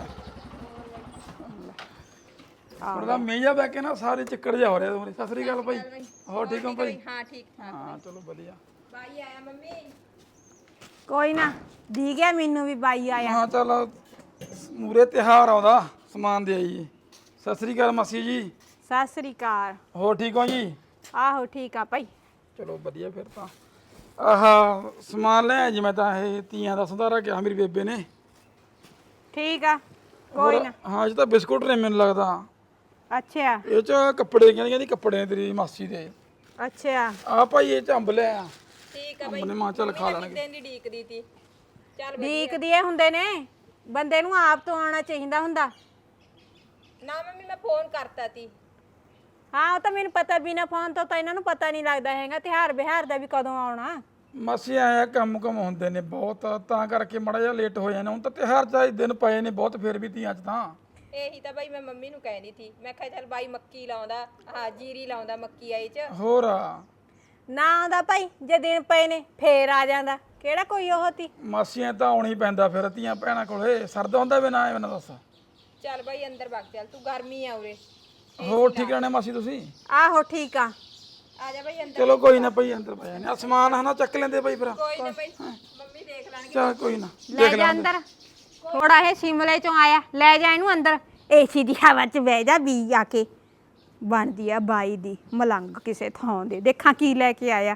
Speaker 5: ਥੋੜਾ ਮੇਜਾ ਬੈ ਕੇ ਨਾ ਸਾਰੇ ਚੱਕਰ ਜਾ ਹੋ ਰਿਹਾ ਤੁਹਾਡੇ। ਸਤਿ ਸ੍ਰੀ ਅਕਾਲ ਭਾਈ, ਹੋਰ ਠੀਕ ਹੋ ਭਾਈ?
Speaker 2: ਹਾਂ ਠੀਕ ਠਾਕ।
Speaker 5: ਹਾਂ ਚਲੋ ਵਧੀਆ।
Speaker 2: ਬਾਈ ਆਇਆ ਮੰਮੀ।
Speaker 1: ਕੋਈ ਨਾ ਦੀ ਗਿਆ ਮੈਨੂੰ ਵੀ ਬਾਈ ਆਇਆ।
Speaker 5: ਹਾਂ ਚੱਲ ਮੂਰੇ ਤਿਉਹਾਰ ਆਉਂਦਾ, ਸਮਾਨ ਦੇ ਆਈਏ। ਸਤਿ ਸ੍ਰੀ ਅਕਾਲ ਮਾਸੀ ਜੀ।
Speaker 1: ਸਤਿ ਸ੍ਰੀ ਅਕਾਲ।
Speaker 5: ਹੋਰ ਠੀਕ ਹੋ ਜੀ?
Speaker 1: ਆਹੋ ਠੀਕ ਆ ਭਾਈ।
Speaker 5: ਚਲੋ ਵਧੀਆ ਫਿਰ ਤਾਂ। ਆਹ ਸਮਾਨ ਲੈ ਜੀ, ਮੈਂ ਤਾਂ ਇਹ ਤੀਆਂ ਦਾ ਸੰਧਾਰਾ ਕਿਹਾ ਮੇਰੀ ਬੇਬੇ ਨੇ।
Speaker 1: ਠੀਕ ਆ ਕੋਈ
Speaker 5: ਹੋਰ,
Speaker 1: ਨਾ।
Speaker 5: ਹਾਂ ਇਹ ਤਾਂ ਬਿਸਕੁਟ ਨੇ ਮੈਨੂੰ ਲੱਗਦਾ।
Speaker 1: ਅੱਛਾ
Speaker 5: ਇਹ ਚ ਕੱਪੜੇ ਕਹਿੰਦੀ ਕਹਿੰਦੀ ਕੱਪੜੇ ਨੇ ਤੇਰੀ ਮਾਸੀ ਦੇ।
Speaker 1: ਅੱਛਾ
Speaker 5: ਆ ਭਾਈ ਇਹ ਚ ਅੰਬ ਲੈ ਆ।
Speaker 2: ਠੀਕ ਆ
Speaker 5: ਅੰਬ ਨੇ ਮਾਂ ਚੱਲ ਖਾ ਲੈਣਗੇ।
Speaker 2: ਦਿਨ ਦੀ ਢੀਕਦੀ ਤੀ। ਚੱਲ
Speaker 1: ਦੀਕਦੇ ਹੁੰਦੇ ਨੇ, ਬੰਦੇ ਨੂੰ ਆਪ ਤੋਂ ਆਉਣਾ ਚਾਹੀਦਾ ਹੁੰਦਾ।
Speaker 2: ਨਾ ਮੰਮੀ ਮੈਂ ਫੋਨ ਕਰਤਾ ਤੀ।
Speaker 1: ਹਾਂ ਉਹ ਤਾਂ ਮੈਨੂੰ ਪਤਾ, ਬਿਨਾ ਫੋਨ ਤੋਂ ਤਾਂ ਇਹਨਾਂ ਨੂੰ ਪਤਾ ਨਹੀਂ ਲੱਗਦਾ ਹੈਗਾ ਤਿਉਹਾਰ ਬਿਹਾਰ ਦਾ ਵੀ ਕਦੋਂ ਆਉਣਾ।
Speaker 5: ਮਾਸੀ ਆਇਆ ਕੰਮ ਕੰਮ ਹੁੰਦੇ ਨੇ ਬਹੁਤ, ਤਾਂ ਕਰਕੇ ਮਾੜਾ ਜਿਹਾ ਲੇਟ ਹੋ ਜਾਣਾ। ਹੁਣ ਤਾਂ ਤਿਉਹਾਰ ਚਾਹੇ ਦਿਨ ਪਏ ਨੇ ਬਹੁਤ, ਫਿਰ ਵੀ ਤੀਆਂ ਚ ਤਾਂ।
Speaker 2: ਇਹੀ ਤਾਂ ਬਾਈ ਮੈਂ ਮੰਮੀ ਨੂੰ ਕਹਿੰਦੀ ਸੀ, ਮੈਂ ਕਿਹਾ ਚੱਲ ਬਾਈ ਮੱਕੀ ਲਾਉਂਦਾ, ਹਾਂ ਜੀਰੀ ਲਾਉਂਦਾ ਮੱਕੀ ਆਈ ਚ।
Speaker 5: ਹੋਰ ਆ
Speaker 1: ਨਾ ਆਉਂਦਾ ਭਾਈ, ਜੇ ਦਿਨ ਪਏ ਨੇ ਫੇਰ ਆ ਜਾਂਦਾ, ਕਿਹੜਾ ਕੋਈ ਉਹ ਤੀ।
Speaker 5: ਮਾਸੀਆਂ ਤਾਂ ਆਉਣੀ ਪੈਂਦਾ ਫਿਰ ਧੀਆਂ ਭੈਣਾਂ ਕੋਲੇ, ਸਰਦਾ ਹੁੰਦਾ ਵੀ ਨਾ ਐ ਨਾ ਦੱਸ।
Speaker 2: ਚੱਲ ਬਾਈ ਅੰਦਰ ਵਗ ਚੱਲ, ਤੂੰ ਗਰਮੀ ਆ ਉਰੇ।
Speaker 5: ਹੋਰ ਠੀਕ ਰਹਿਣੇ ਮਾਸੀ ਤੁਸੀਂ?
Speaker 1: ਆਹੋ ਠੀਕ ਆ।
Speaker 2: ਆ ਜਾ ਬਾਈ ਅੰਦਰ।
Speaker 5: ਚਲੋ ਕੋਈ ਨਾ ਭਾਈ ਅੰਦਰ ਪੈ ਜਾਣੇ। ਆ ਸਮਾਨ ਹਨਾ ਚੱਕ ਲੈਂਦੇ ਭਾਈ ਫਿਰ।
Speaker 2: ਕੋਈ ਨਾ ਬਾਈ ਮੰਮੀ ਦੇਖ ਲੈਣਗੇ।
Speaker 5: ਚਲ ਕੋਈ ਨਾ
Speaker 1: ਲੈ ਜਾ ਅੰਦਰ। ਥੋੜਾ ਇਹ ਸ਼ਿਮਲੇ ਚੋਂ ਆਇਆ, ਲੈ ਜਾ ਇਹਨੂੰ ਅੰਦਰ। ਏਸੀ ਦੀ ਹਵਾ 'ਚ ਬਹਿ ਜਾ, ਬੀ ਆ ਕੇ ਬਣਦੀ ਆ ਬਾਈ ਦੀ ਮਲੰਗ ਕਿਸੇ ਥਾਂ ਦੇ। ਦੇਖਾਂ ਕੀ ਲੈ ਕੇ ਆਇਆ,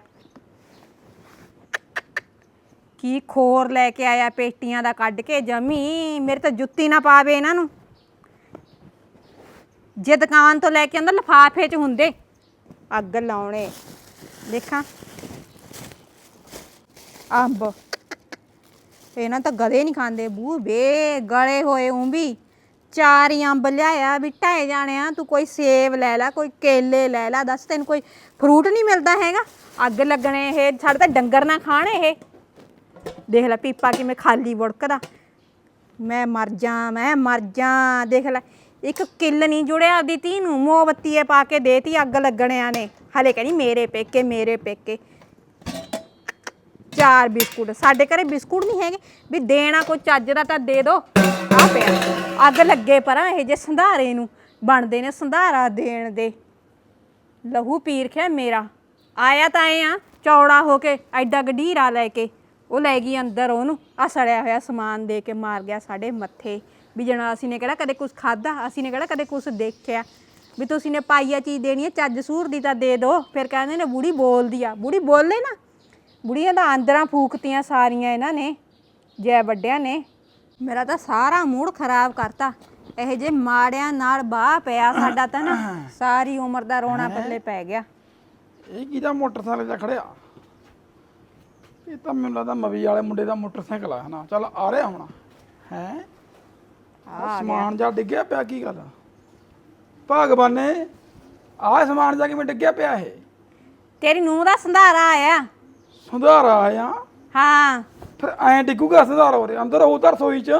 Speaker 1: ਕੀ ਖੋਰ ਲੈ ਕੇ ਆਇਆ ਪੇਟੀਆਂ ਦਾ ਕੱਢ ਕੇ। ਜਮੀ ਮੇਰੇ ਤਾਂ ਜੁੱਤੀ ਨਾ ਪਾਵੇ ਇਹਨਾਂ ਨੂੰ। ਜੇ ਦੁਕਾਨ ਤੋਂ ਲੈ ਕੇ ਆਂਦਾ ਲਿਫਾਫੇ 'ਚ ਹੁੰਦੇ ਅੱਗ ਲਾਉਣੇ। ਦੇਖਾਂ ਅੰਬ, ਇਹਨਾਂ ਤਾਂ ਗਦੇ ਨਹੀਂ ਖਾਂਦੇ। ਬੂ ਬੇ ਗਲੇ ਹੋਏ ਉਂ ਵੀ। ਚਾਰ ਹੀ ਅੰਬ ਲਿਆਇਆ ਵੀ ਢਾਏ ਜਾਣੇ ਆ। ਤੂੰ ਕੋਈ ਸੇਬ ਲੈ ਲੈ, ਕੋਈ ਕੇਲੇ ਲੈ ਲੈ, ਦੱਸ ਤੈਨੂੰ ਕੋਈ ਫਰੂਟ ਨਹੀਂ ਮਿਲਦਾ ਹੈਗਾ। ਅੱਗ ਲੱਗਣੇ ਇਹ, ਸਾਡੇ ਤਾਂ ਡੰਗਰ ਨਾ ਖਾਣ ਇਹ। ਦੇਖ ਲੈ ਪੀਪਾ ਕਿਵੇਂ ਖਾਲੀ ਵੜਕਦਾ। ਮੈਂ ਮਰ ਜਾ, ਮੈਂ ਮਰ ਜਾ। ਦੇਖ ਲੈ ਇੱਕ ਕਿੱਲ ਨਹੀਂ ਜੁੜਿਆ ਆਪਦੀ ਧੀ ਨੂੰ, ਮੋਮਬੱਤੀਏ ਪਾ ਕੇ ਦੇਤੀ ਅੱਗ ਲੱਗਣਿਆਂ ਨੇ। ਹਲੇ ਕਹਿੰਦੀ ਮੇਰੇ ਪੇਕੇ ਮੇਰੇ ਪੇਕੇ। ਚਾਰ ਬਿਸਕੁਟ, ਸਾਡੇ ਘਰੇ ਬਿਸਕੁਟ ਨਹੀਂ ਹੈਗੇ ਵੀ ਦੇਣਾ ਕੋਈ ਚੱਜ ਦਾ ਤਾਂ ਦੇ ਦੋ। ਆ ਪਿਆ ਅੱਗ ਲੱਗੇ ਪਰਾਂ ਇਹ ਜੇ ਸੰਧਾਰੇ ਨੂੰ ਬਣਦੇ ਨੇ ਸੰਧਾਰਾ ਦੇਣ ਦੇ। ਲਹੂ ਪੀਰ ਖਿਆ ਮੇਰਾ। ਆਇਆ ਤਾਂ ਐ ਆ ਚੌੜਾ ਹੋ ਕੇ ਐਡਾ ਗਢੀਰਾ ਲੈ ਕੇ। ਉਹ ਲੈ ਗਈ ਅੰਦਰ, ਉਹਨੂੰ ਆ ਸੜਿਆ ਹੋਇਆ ਸਮਾਨ ਦੇ ਕੇ ਮਾਰ ਗਿਆ ਸਾਡੇ ਮੱਥੇ। ਵੀ ਜਣਾ ਅਸੀਂ ਨੇ ਕਿਹੜਾ ਕਦੇ ਕੁਛ ਖਾਧਾ, ਅਸੀਂ ਨੇ ਕਿਹੜਾ ਕਦੇ ਕੁਛ ਦੇਖਿਆ ਵੀ ਤੁਸੀਂ ਨੇ ਪਾਈਆ ਚੀਜ਼ ਦੇਣੀ ਹੈ, ਚੱਜ ਸੂਰ ਦੀ ਤਾਂ ਦੇ ਦੋ। ਫਿਰ ਕਹਿੰਦੇ ਨੇ ਬੁੜੀ ਬੋਲਦੀ ਆ। ਬੁੜੀ ਬੋਲੇ ਨਾ, ਬੁੜੀਆਂ ਦਾ ਆਂਦਰਾਂ ਫੂਕਤੀਆਂ ਸਾਰੀਆਂ ਇਹਨਾਂ ਨੇ, ਜੈ ਵੱਡਿਆਂ ਨੇ। ਮੇਰਾ ਤਾਂ ਸਾਰਾ ਮੂਡ ਖਰਾਬ ਕਰਤਾ। ਇਹ ਜੇ ਮਾੜਿਆਂ ਨਾਲ ਬਾਹ ਪਿਆ ਸਾਡਾ ਤਾਂ ਨਾ ਸਾਰੀ ਉਮਰ ਦਾ ਰੋਣਾ ਪੱਲੇ ਪੈ ਗਿਆ।
Speaker 5: ਇਹ ਕਿਹਦਾ ਮੋਟਰਸਾਈਕਲ ਜਾ ਖੜਿਆ? ਇਹ ਤਾਂ ਮੈਨੂੰ ਲੱਗਦਾ ਮਵੀ ਵਾਲੇ ਮੁੰਡੇ ਦਾ ਮੋਟਰਸਾਈਕਲ ਆ ਨਾ। ਚੱਲ ਆ ਰਿਹਾ ਹੁਣ ਹੈ। ਆ ਸਮਾਨ ਜਾ ਡਿੱਗਿਆ ਪਿਆ, ਕੀ ਗੱਲ ਭਗਵਾਨੇ? ਆਹ ਸਮਾਨ ਜਾ ਕਿਵੇਂ ਡਿੱਗਿਆ ਪਿਆ? ਇਹ
Speaker 1: ਤੇਰੀ ਨੂੰਹ ਦਾ ਸੰਧਾਰਾ ਆਇਆ।
Speaker 5: ਸੰਧਾਰਾ ਆਇਆ?
Speaker 1: ਹਾਂ
Speaker 5: ਫਿਰ ਐਂ ਡਿੱਗੂਗਾ ਸੰਧਾਰਾ? ਹੋ ਰਿਹਾ ਅੰਦਰ ਉਹ ਤਾਂ ਰਸੋਈ ਚ।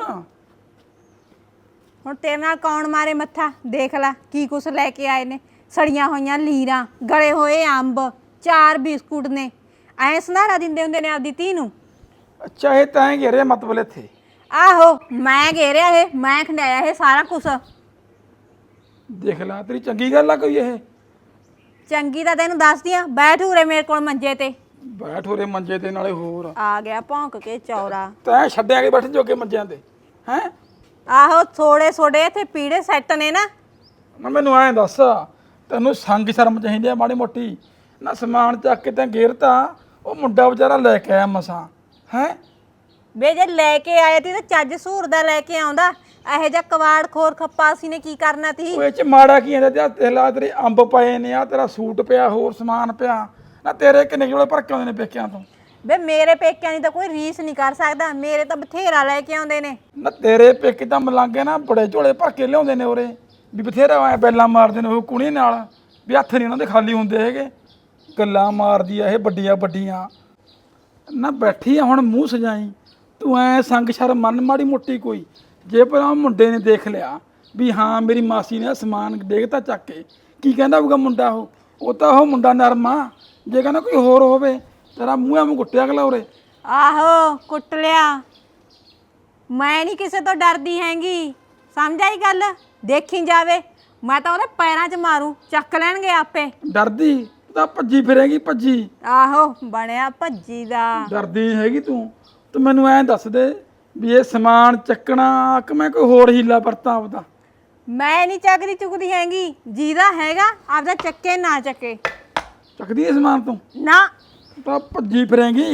Speaker 1: ਹੁਣ ਤੇਰੇ ਨਾਲ ਕੌਣ ਮਾਰੇ ਮੱਥਾ? ਦੇਖ ਲੈ ਕੀ ਕੁਛ ਲੈ ਕੇ ਆਏ ਨੇ। ਸੜੀਆਂ ਹੋਈਆਂ ਲੀਰਾਂ, ਗਲੇ ਹੋਏ ਅੰਬ, ਚਾਰ ਬਿਸਕੁਟ ਨੇ। ਐਂ ਸੰਧਾਰਾ ਦਿੰਦੇ ਹੁੰਦੇ ਨੇ ਆਪਦੀ ਧੀ ਨੂੰ।
Speaker 5: ਅੱਛਾ ਇਹ ਤੈਂ ਘੇਰਿਆ ਮਤਲਬ ਇੱਥੇ?
Speaker 1: ਆਹੋ ਮੈਂ ਘੇਰਿਆ ਇਹ, ਮੈਂ ਖੰਡਾਇਆ ਇਹ ਸਾਰਾ ਕੁਛ।
Speaker 5: ਦੇਖ ਲੈ ਤੇਰੀ ਚੰਗੀ ਗੱਲ ਆ ਕੋਈ? ਇਹ
Speaker 1: ਚੰਗੀ ਤਾਂ ਤੈਨੂੰ ਦੱਸਦੀ ਆ। ਬੈਠ ਉਰੇ ਮੇਰੇ ਕੋਲ ਮੰਜੇ ਤੇ।
Speaker 5: ਬੈਠ ਹੋਰੇ ਮੰਜੇ ਤੇ, ਨਾਲੇ ਹੋਰ
Speaker 1: ਆ ਗਿਆ ਭੌਂਕ ਕੇ ਚੌਰਾ।
Speaker 5: ਤੈਂ ਛੱਡਿਆ ਕੇ ਬੈਠ ਜੋਗੇ ਮੰਜਿਆਂ ਤੇ ਹੈ?
Speaker 1: ਆਹੋ ਥੋੜੇ ਥੋੜੇ ਇੱਥੇ ਪੀੜੇ ਸੈੱਟ ਨੇ ਨਾ।
Speaker 5: ਨਾ ਮੈਨੂੰ ਐਂ ਦੱਸ, ਤੈਨੂੰ ਸੰਗ ਸ਼ਰਮ ਚਾਹੀਦੀ ਆ ਮਾੜੀ ਮੋਟੀ? ਨਾ ਸਮਾਨ ਚੱਕ ਕੇ ਤੈਂ ਗੇਰਤਾ, ਉਹ ਮੁੰਡਾ ਵਿਚਾਰਾ ਲੈ ਕੇ ਆਇਆ ਮਸਾਂ ਹੈ।
Speaker 1: ਵੇ ਜੇ ਲੈ ਕੇ ਆਏ ਤੀ ਤਾਂ ਚੱਜ ਸੂਰ ਦਾ ਲੈ ਕੇ ਆਉਂਦਾ। ਇਹੋ ਜਿਹਾ ਕਵਾੜ ਖੋਰ ਖੱਪਾ ਅਸੀਂ ਨੇ ਕੀ ਕਰਨਾ ਤੀ?
Speaker 5: ਉਹ ਇਹ ਚ ਮਾੜਾ ਕੀ ਹੁੰਦਾ? ਤੇ ਲਾ ਤੇਰੇ ਅੰਬ ਪਏ ਨੇ, ਆ ਤੇਰਾ ਸੂਟ ਪਿਆ, ਹੋਰ ਸਮਾਨ ਪਿਆ। ਨਾ ਤੇਰੇ ਕਿੰਨੇ ਜੋੜੇ ਭਰ ਕੇ ਆਉਂਦੇ ਨੇ ਪੇਕਿਆਂ ਤੋਂ?
Speaker 1: ਵੇ ਮੇਰੇ ਪੇਕਿਆਂ ਦੀ ਤਾਂ ਕੋਈ ਰੀਸ ਨਹੀਂ ਕਰ ਸਕਦਾ। ਮੇਰੇ ਤਾਂ ਬਥੇਰਾ ਲੈ ਕੇ ਆਉਂਦੇ ਨੇ।
Speaker 5: ਨਾ ਤੇਰੇ ਪੇਕੇ ਤਾਂ ਮਲਾਂਗੇ ਨਾ ਬੜੇ ਝੋਲੇ ਭਰ ਕੇ ਲਿਆਉਂਦੇ ਨੇ ਉਰੇ, ਵੀ ਬਥੇਰਾ ਐ ਬੈਲਾਂ ਮਾਰਦੇ ਨੇ ਉਹ ਕੁਣੀ ਨਾਲ, ਵੀ ਹੱਥ ਨਹੀਂ ਉਹਨਾਂ ਦੇ ਖਾਲੀ ਹੁੰਦੇ ਹੈਗੇ। ਗੱਲਾਂ ਮਾਰਦੀ ਆ ਇਹ ਵੱਡੀਆਂ ਵੱਡੀਆਂ। ਨਾ ਬੈਠੀ ਆ ਹੁਣ ਮੂੰਹ ਸਜਾਈ ਤੂੰ। ਐ ਸੰਗ ਸ਼ਰਮ ਮੰਨ ਮਾੜੀ ਮੋਟੀ ਕੋਈ। ਜੇ ਪਰ ਮੁੰਡੇ ਨੇ ਦੇਖ ਲਿਆ ਵੀ ਹਾਂ ਮੇਰੀ ਮਾਸੀ ਨੇ ਸਮਾਨ ਦੇਖਤਾ ਚੱਕ ਕੇ, ਕੀ ਕਹਿੰਦਾ ਹੋਊਗਾ ਮੁੰਡਾ ਉਹ ਉਹ ਤਾਂ ਉਹ ਮੁੰਡਾ ਨਰਮ ਆ। ਜੇ ਕਹਿੰਦਾ ਕੋਈ ਹੋਰ ਹੋਵੇ ਤੇਰਾ ਮੂੰਹ ਐਵੇਂ ਕੁੱਟਿਆ ਅਗਲਾ ਉਰੇ।
Speaker 1: ਆਹੋ ਕੁੱਟ ਲਿਆ, ਮੈਂ ਨਹੀਂ ਕਿਸੇ ਤੋਂ ਡਰਦੀ ਹੈਗੀ, ਸਮਝ ਆਈ ਗੱਲ। ਦੇਖੀ ਜਾਵੇ ਮੈਂ ਤਾਂ ਉਹਦੇ ਪੈਰਾਂ 'ਚ ਮਾਰੂ, ਚੱਕ ਲੈਣਗੇ ਆਪੇ।
Speaker 5: ਡਰਦੀ ਤੂੰ ਤਾਂ ਭੱਜੀ ਫਿਰੇਗੀ ਭੱਜੀ।
Speaker 1: ਆਹੋ ਬਣਿਆ ਭੱਜੀ ਦਾ।
Speaker 5: ਡਰਦੀ ਨਹੀਂ ਹੈਗੀ ਤੂੰ। ਤੂੰ ਮੈਨੂੰ ਐਂ ਦੱਸ ਦੇ ਵੀ ਇਹ ਸਮਾਨ ਚੱਕਣਾ ਕਿ ਮੈਂ ਕੋਈ ਹੋਰ ਹੀਲਾ ਵਰਤਾਂ ਆਪਦਾ।
Speaker 1: ਮੈਂ ਨਹੀਂ ਚੱਕਦੀ ਚੁੱਕਦੀ ਹੈਗੀ, ਜਿਹਦਾ ਹੈਗਾ ਆਪਦਾ ਚੱਕੇ ਨਾ ਚੱਕੇ।
Speaker 5: ਚੱਕਦੀ ਐ ਸਮਾਨ ਤੂੰ
Speaker 1: ਨਾ
Speaker 5: ਤੂੰ ਤਾਂ ਭੱਜੀ ਫਿਰੇਗੀ।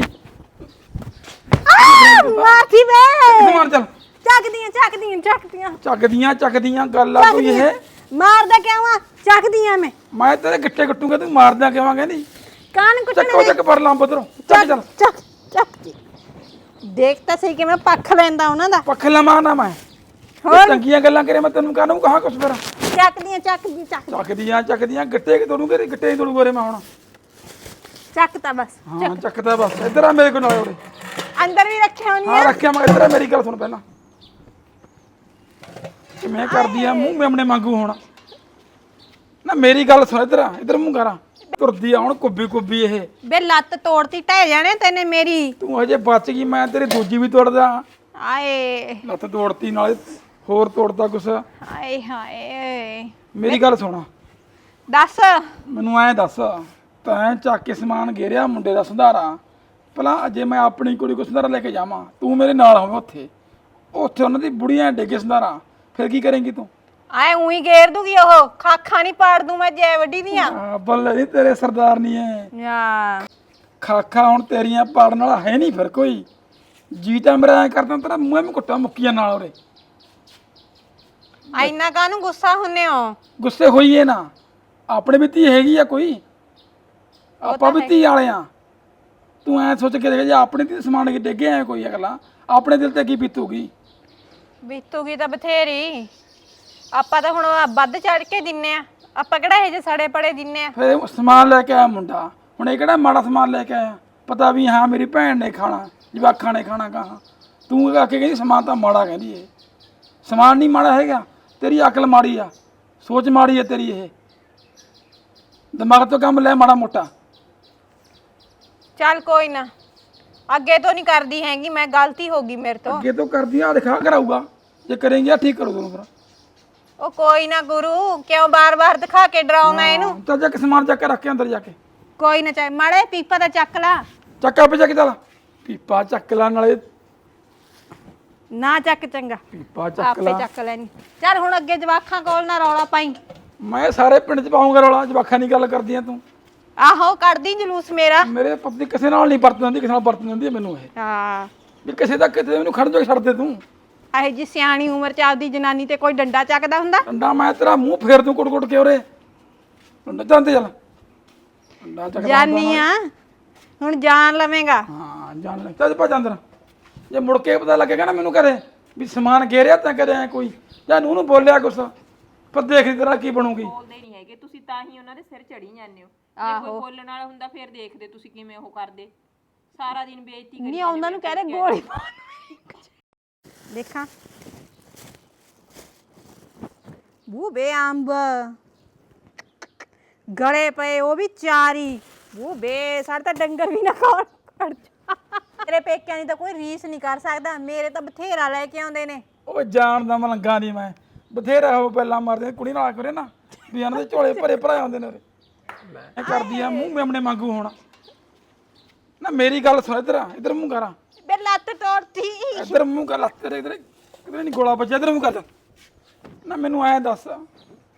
Speaker 1: ਮਾਫੀ ਵੇ,
Speaker 5: ਸਮਾਨ ਚੱਲ
Speaker 1: ਚੱਕਦੀਆਂ ਚੱਕਦੀਆਂ ਚੱਕਦੀਆਂ
Speaker 5: ਚੱਕਦੀਆਂ ਚੱਕਦੀਆਂ ਗੱਲ ਆ ਕੋਈ ਇਹ।
Speaker 1: ਮਾਰਦਾ ਕਿਉਂ ਆ? ਚੱਕਦੀਆਂ ਮੈਂ
Speaker 5: ਮੈਂ ਤੇਰੇ ਗਿੱਟੇ ਕੱਟੂਗਾ ਤੂੰ ਮਾਰਦਾ ਕਿਵੇਂ ਕਹਿੰਦੀ।
Speaker 1: ਕਾਨ ਕੁੱਟਣੇ
Speaker 5: ਚੱਕੋ ਚੱਕ ਪਰ ਲਾਂ ਬਦਰੋਂ ਚੱਕ ਚੱਲ।
Speaker 1: ਚੱਕ ਚੱਕ ਜੀ। ਦੇਖ ਤਾਂ ਸਹੀ ਕਿਵੇਂ ਪੱਖ ਲੈਂਦਾ ਉਹਨਾਂ ਦਾ।
Speaker 5: ਪੱਖ ਲਵਾਂ ਨਾ ਮੈਂ
Speaker 1: ਹੋਰ?
Speaker 5: ਚੰਗੀਆਂ ਗੱਲਾਂ ਕਰੇ ਮੈਂ ਤੈਨੂੰ ਕਾਹਨੂੰ ਕਹਾਂ ਕੁਛ ਫਿਰ।
Speaker 1: ਚੱਕਦੀਆਂ ਚੱਕਦੀ ਚੱਕ
Speaker 5: ਚੱਕਦੀਆਂ ਚੱਕਦੀਆਂ ਗਿੱਟੇ ਕਿ ਤੋੜੂ ਤੇਰੇ ਗਿੱਟੇ ਹੀ ਤੋੜੂ ਗੋਰੇ ਮੈਂ ਹੁਣ।
Speaker 1: ਚੱਕ ਤਾਂ ਬਸ।
Speaker 5: ਹਾਂ ਚੱਕਦਾ ਬਸ। ਇੱਧਰ ਆ ਮੇਰੇ ਕੋਲ ਨਾਲੇ ਉਰੇ।
Speaker 1: ਅੰਦਰ ਵੀ ਰੱਖਿਆ ਹੋਣੀ
Speaker 5: ਹਾਂ
Speaker 1: ਆ।
Speaker 5: ਰੱਖਿਆ ਮੈਂ। ਇੱਧਰ ਆ ਮੇਰੀ ਗੱਲ ਸੁਣ ਪਹਿਲਾਂ। ਕਿਵੇਂ ਕਰਦੀ ਆ ਮੂੰਹ ਮੇਮਣੇ ਮੰਗੂ ਹੁਣ ਨਾ। ਮੇਰੀ ਗੱਲ ਸੁਣ ਇੱਧਰ ਆ। ਇੱਧਰ ਮੂੰਹ ਕਰਾਂ। ਤੁਰਦੀ ਆ ਹੁਣ ਕੁੱਬੀ ਕੁੱਬੀ ਇਹ।
Speaker 1: ਬੇ ਲੱਤ ਤੋੜਤੀ ਢਹਿ ਜਾਣੇ ਤੈਨੇ ਮੇਰੀ।
Speaker 5: ਤੂੰ ਹਜੇ ਬਚ ਗਈ, ਮੈਂ ਤੇਰੀ ਦੂਜੀ ਵੀ ਤੋੜਦਾ।
Speaker 1: ਆਏ
Speaker 5: ਲੱਤ ਤੋੜਤੀ ਨਾਲੇ ਹੋਰ ਤੋੜਦਾ ਕੁਛ।
Speaker 1: ਆਏ ਹਾਏ।
Speaker 5: ਮੇਰੀ ਗੱਲ ਸੁਣ
Speaker 1: ਦੱਸ।
Speaker 5: ਮੈਨੂੰ ਐਂ ਦੱਸ ਤੈਂ ਚੱਕ ਕੇ ਸਮਾਨ ਘੇਰਿਆ ਮੁੰਡੇ ਦਾ ਸੰਧਾਰਾ। ਭਲਾ ਜੇ ਮੈਂ ਆਪਣੀ ਕੁੜੀ ਕੋ ਸੰਧਾਰਾ ਲੈ ਕੇ ਜਾਵਾਂ, ਤੂੰ ਮੇਰੇ ਨਾਲ ਹੋਵੇਂ ਉੱਥੇ ਉੱਥੇ ਉਹਨਾਂ ਦੀ ਬੁੜੀਆਂ ਡੇਗੇ ਸੰਧਾਰਾ, ਫਿਰ ਕੀ ਕਰੇਂਗੀ ਤੂੰ?
Speaker 1: ਆਏ ਉਹੀ ਗੇਰ ਦੂਗੀ ਉਹ, ਖਾਖਾਂ ਨਹੀਂ ਪਾੜ ਦੂੰ ਮੈਂ ਜੈ ਵੱਡੀ ਦੀਆਂ।
Speaker 5: ਆ, ਬੱਲੇ ਨਹੀਂ ਤੇਰੇ ਸਰਦਾਰ ਨਹੀਂ ਐ।
Speaker 1: ਯਾ
Speaker 5: ਖਾਖਾ ਹੁਣ ਤੇਰੀਆਂ ਪਾੜਨ ਵਾਲਾ ਹੈ ਨਹੀਂ ਫਿਰ ਕੋਈ। ਜੀ ਤਾਂ ਮੇਰਾ ਐਂ ਕਰਦਾ ਤੇਰਾ ਮੂੰਹ ਮੈਂ ਕੁੱਟਾਂ ਮੁੱਕੀਆਂ ਨਾਲ ਉਰੇ।
Speaker 1: ਇੰਨਾ ਕਾਹਨੂੰ ਗੁੱਸਾ ਹੁੰਨੇ ਹੋ?
Speaker 5: ਗੁੱਸੇ ਹੋਈਏ ਨਾ, ਆਪਣੇ ਵੀ ਧੀ ਹੈਗੀ ਆ ਕੋਈ। ਆਪਾਂ ਵੀ ਧੀ ਵਾਲੇ ਆ। ਤੂੰ ਐ ਸੋਚ ਕੇ ਦੇਖ ਜੇ ਆਪਣੇ ਧੀ ਸਮਾਨ ਕੇ ਡੇਗੇ ਐ ਕੋਈ ਅਗਲਾ, ਆਪਣੇ ਦਿਲ ਤੇ ਕੀ ਬੀਤੂਗੀ?
Speaker 1: ਬੀਤੂਗੀ ਤਾਂ ਬਥੇਰੀ। ਆਪਾਂ ਤਾਂ ਹੁਣ ਵੱਧ ਚੜ ਕੇ ਦਿੰਨੇ ਆ, ਆਪਾਂ ਕਿਹੜਾ ਇਹ ਜੇ ਸੜੇ ਪੜੇ ਦਿੰਨੇ ਆ।
Speaker 5: ਫਿਰ ਸਮਾਨ ਲੈ ਕੇ ਆਇਆ ਮੁੰਡਾ, ਹੁਣ ਇਹ ਕਿਹੜਾ ਮਾੜਾ ਸਮਾਨ ਲੈ ਕੇ ਆਇਆ? ਪਤਾ ਵੀ ਹਾਂ ਮੇਰੀ ਭੈਣ ਨੇ ਖਾਣਾ, ਜਵਾਕਾਂ ਨੇ ਖਾਣਾ ਕਹਾ। ਤੂੰ ਆ ਕੇ ਕਹਿੰਦੀ ਸਮਾਨ ਤਾਂ ਮਾੜਾ ਕਹਿੰਦੀ ਏ। ਸਮਾਨ ਨਹੀਂ ਮਾੜਾ ਹੈਗਾ, ਤੇਰੀ ਅਕਲ ਮਾੜੀ ਆ, ਸੋਚ ਮਾੜੀ ਹੈ ਤੇਰੀ। ਇਹ ਦਿਮਾਗ ਤੋਂ ਕੰਮ ਲੈ ਮਾੜਾ ਮੋਟਾ।
Speaker 1: ਚੱਲ ਕੋਈ ਨਾ, ਅੱਗੇ ਤੋਂ ਨਹੀਂ ਕਰਦੀ ਹੈਗੀ ਮੈਂ, ਗਲਤੀ ਹੋ ਗਈ ਮੇਰੇ ਤੋਂ।
Speaker 5: ਅੱਗੇ ਤੋਂ ਕਰਦੀ ਆ ਦਿਖਾ ਕਰਾਊਗਾ, ਜੇ ਕਰੇਂਗੀ ਆ ਠੀਕ ਕਰੂ ਤੈਨੂੰ ਫਿਰ।
Speaker 1: ਉਹ ਕੋਈ ਨਾ ਗੁਰੂ, ਕਿਉਂ ਬਾਰ-ਬਾਰ ਦਿਖਾ ਕੇ ਡਰਾਉ ਮੈਂ ਇਹਨੂੰ।
Speaker 5: ਚੱਲ ਜਾ ਕੇ ਸਮਾਨ ਚੱਕ ਕੇ ਰੱਖ ਕੇ ਅੰਦਰ ਜਾ ਕੇ।
Speaker 1: ਕੋਈ ਨਾ ਚਾਹੇ ਮਾੜੇ ਪੀਪਾ ਦਾ ਚੱਕ ਲਾ।
Speaker 5: ਚੱਕ ਆਪੇ ਚੱਕ ਚੱਲ। ਪੀਪਾ ਚੱਕ ਲਾ ਨਾਲੇ,
Speaker 1: ਨਾ ਚੱਕ ਚੰਗਾ,
Speaker 5: ਪੀਪਾ ਚੱਕ
Speaker 1: ਆਪੇ
Speaker 5: ਲਾ।
Speaker 1: ਚੱਕ ਲੈਣੀ। ਚੱਲ ਹੁਣ ਅੱਗੇ ਜਵਾਖਾਂ ਕੋਲ ਨਾ ਰੌਲਾ ਪਾਈ।
Speaker 5: ਮੈਂ ਸਾਰੇ ਪਿੰਡ ਚ ਪਾਉਂਗਾ ਰੌਲਾ, ਜਵਾਖਾਂ ਦੀ ਗੱਲ ਕਰਦੀ ਆ ਤੂੰ।
Speaker 1: ਆਹੋ ਕੱਢਦੀ ਜਲੂਸ ਮੇਰਾ।
Speaker 5: ਮੇਰੇ ਪਤੀ ਕਿਸੇ ਨਾਲ ਨਹੀਂ ਵਰਤਣ ਦਿੰਦੀ, ਕਿਸੇ ਨਾਲ ਵਰਤਣ ਦਿੰਦੀ ਹੈ ਮੈਨੂੰ ਇਹ।
Speaker 1: ਹਾਂ
Speaker 5: ਵੀ ਕਿਸੇ ਦਾ ਕਿਤੇ ਮੈਨੂੰ ਖੜ ਜਾ ਛੱਡ ਦੇ ਤੂੰ।
Speaker 1: ਇਹ ਜੀ ਸਿਆਣੀ ਉਮਰ ਚ ਆਪਦੀ ਜਨਾਨੀ ਤੇ ਕੋਈ ਡੰਡਾ ਚੱਕਦਾ ਹੁੰਦਾ?
Speaker 5: ਡੰਡਾ ਮੈਂ ਤੇਰਾ ਮੂੰਹ ਫੇਰ ਦੂੰ ਕੁੱਟ ਕੁੱਟ ਕੇ ਉਰੇ। ਡੰਡਾ ਜਾਂਦੇ ਚੱਲ। ਡੰਡਾ ਚੱਕ
Speaker 1: ਜਾਨੀ ਆ ਹੁਣ, ਜਾਣ ਲਵੇਂਗਾ।
Speaker 5: ਹਾਂ ਜਾਣ ਲੈ। ਚੱਲ ਭੱਜ ਅੰਦਰ। ਜੇ ਮੁੜ ਕੇ ਪਤਾ ਲੱਗੇਗਾ ਨਾ ਮੈਨੂੰ ਕਰੇ ਵੀ ਸਮਾਨ ਘੇਰਿਆ ਤਾਂ ਕਰੇ ਐ ਕੋਈ, ਜਾਂ ਨੂੰ ਨੂੰ ਬੋਲਿਆ ਕੁਛ, ਪਰ ਦੇਖ ਤੇਰਾ ਕੀ ਬਣੂਗੀ।
Speaker 2: ਬੋਲਦੇ ਨਹੀਂ ਹੈਗੇ ਤੁਸੀਂ, ਤਾਂ ਹੀ ਉਹਨਾਂ ਦੇ ਸਿਰ ਚੜੀ ਜਾਂਦੇ ਹੋ। ਜੇ ਕੋਈ ਬੋਲਣ ਵਾਲਾ ਹੁੰਦਾ ਫਿਰ ਦੇਖਦੇ ਤੁਸੀਂ ਕਿਵੇਂ ਉਹ ਕਰਦੇ। ਸਾਰਾ ਦਿਨ ਬੇਇੱਜ਼ਤੀ ਕਰੀ
Speaker 1: ਨਹੀਂ ਉਹਨਾਂ ਨੂੰ ਕਹਿ ਰਹੇ ਗੋਲੀ ਦੇਖਾਂ ਬੂ ਬੇ ਅੰਬ ਗਲੇ ਪਏ, ਉਹ ਵੀ ਚਾਰੀ। ਬੂ ਬੇ ਸਾਡੇ ਤਾਂ ਡੰਗਰ ਵੀ ਨਾ ਖਾਣ। ਖੜ ਜਾ। ਤੇਰੇ ਪੇਕਿਆਂ ਦੀ ਤਾਂ ਕੋਈ ਰੀਸ ਨਹੀਂ ਕਰ ਸਕਦਾ, ਮੇਰੇ ਤਾਂ ਬਥੇਰਾ ਲੈ ਕੇ ਆਉਂਦੇ ਨੇ।
Speaker 5: ਉਹ ਜਾਣ ਦਾ ਮਲੰਗਾ ਨਹੀਂ ਮੈਂ, ਬਥੇਰਾ ਉਹ ਪਹਿਲਾਂ ਮਾਰਦੇ ਕੁੜੀ ਨਾਲ ਕਰੇ ਨਾ ਵੀ ਇਹਨਾਂ ਦੇ ਝੋਲੇ ਭਰੇ ਭਰਾਏ ਆਉਂਦੇ ਨੇ ਉਰੇ। ਮੈਂ ਕਰਦੀ ਆ ਮੂੰਹ ਮੇਮਣੇ ਮੰਗੂ ਹੁਣ ਨਾ। ਮੇਰੀ ਗੱਲ ਸੁਣ ਇੱਧਰ ਆ, ਇੱਧਰ ਮੂੰਹ ਕਰਾਂ।
Speaker 1: ਬੇ ਲੱਤ ਤੋੜਤੀ।
Speaker 5: ਇੱਧਰ ਮੂੰਹ ਕਰ, ਲੱਤ ਤੇਰੇ ਇੱਧਰ ਕਿਧਰੇ ਨਹੀਂ ਗੋਲਾ ਬੱਜਿਆ। ਇੱਧਰ ਮੂੰਹ ਕਰ ਨਾ। ਮੈਨੂੰ ਐਂ ਦੱਸ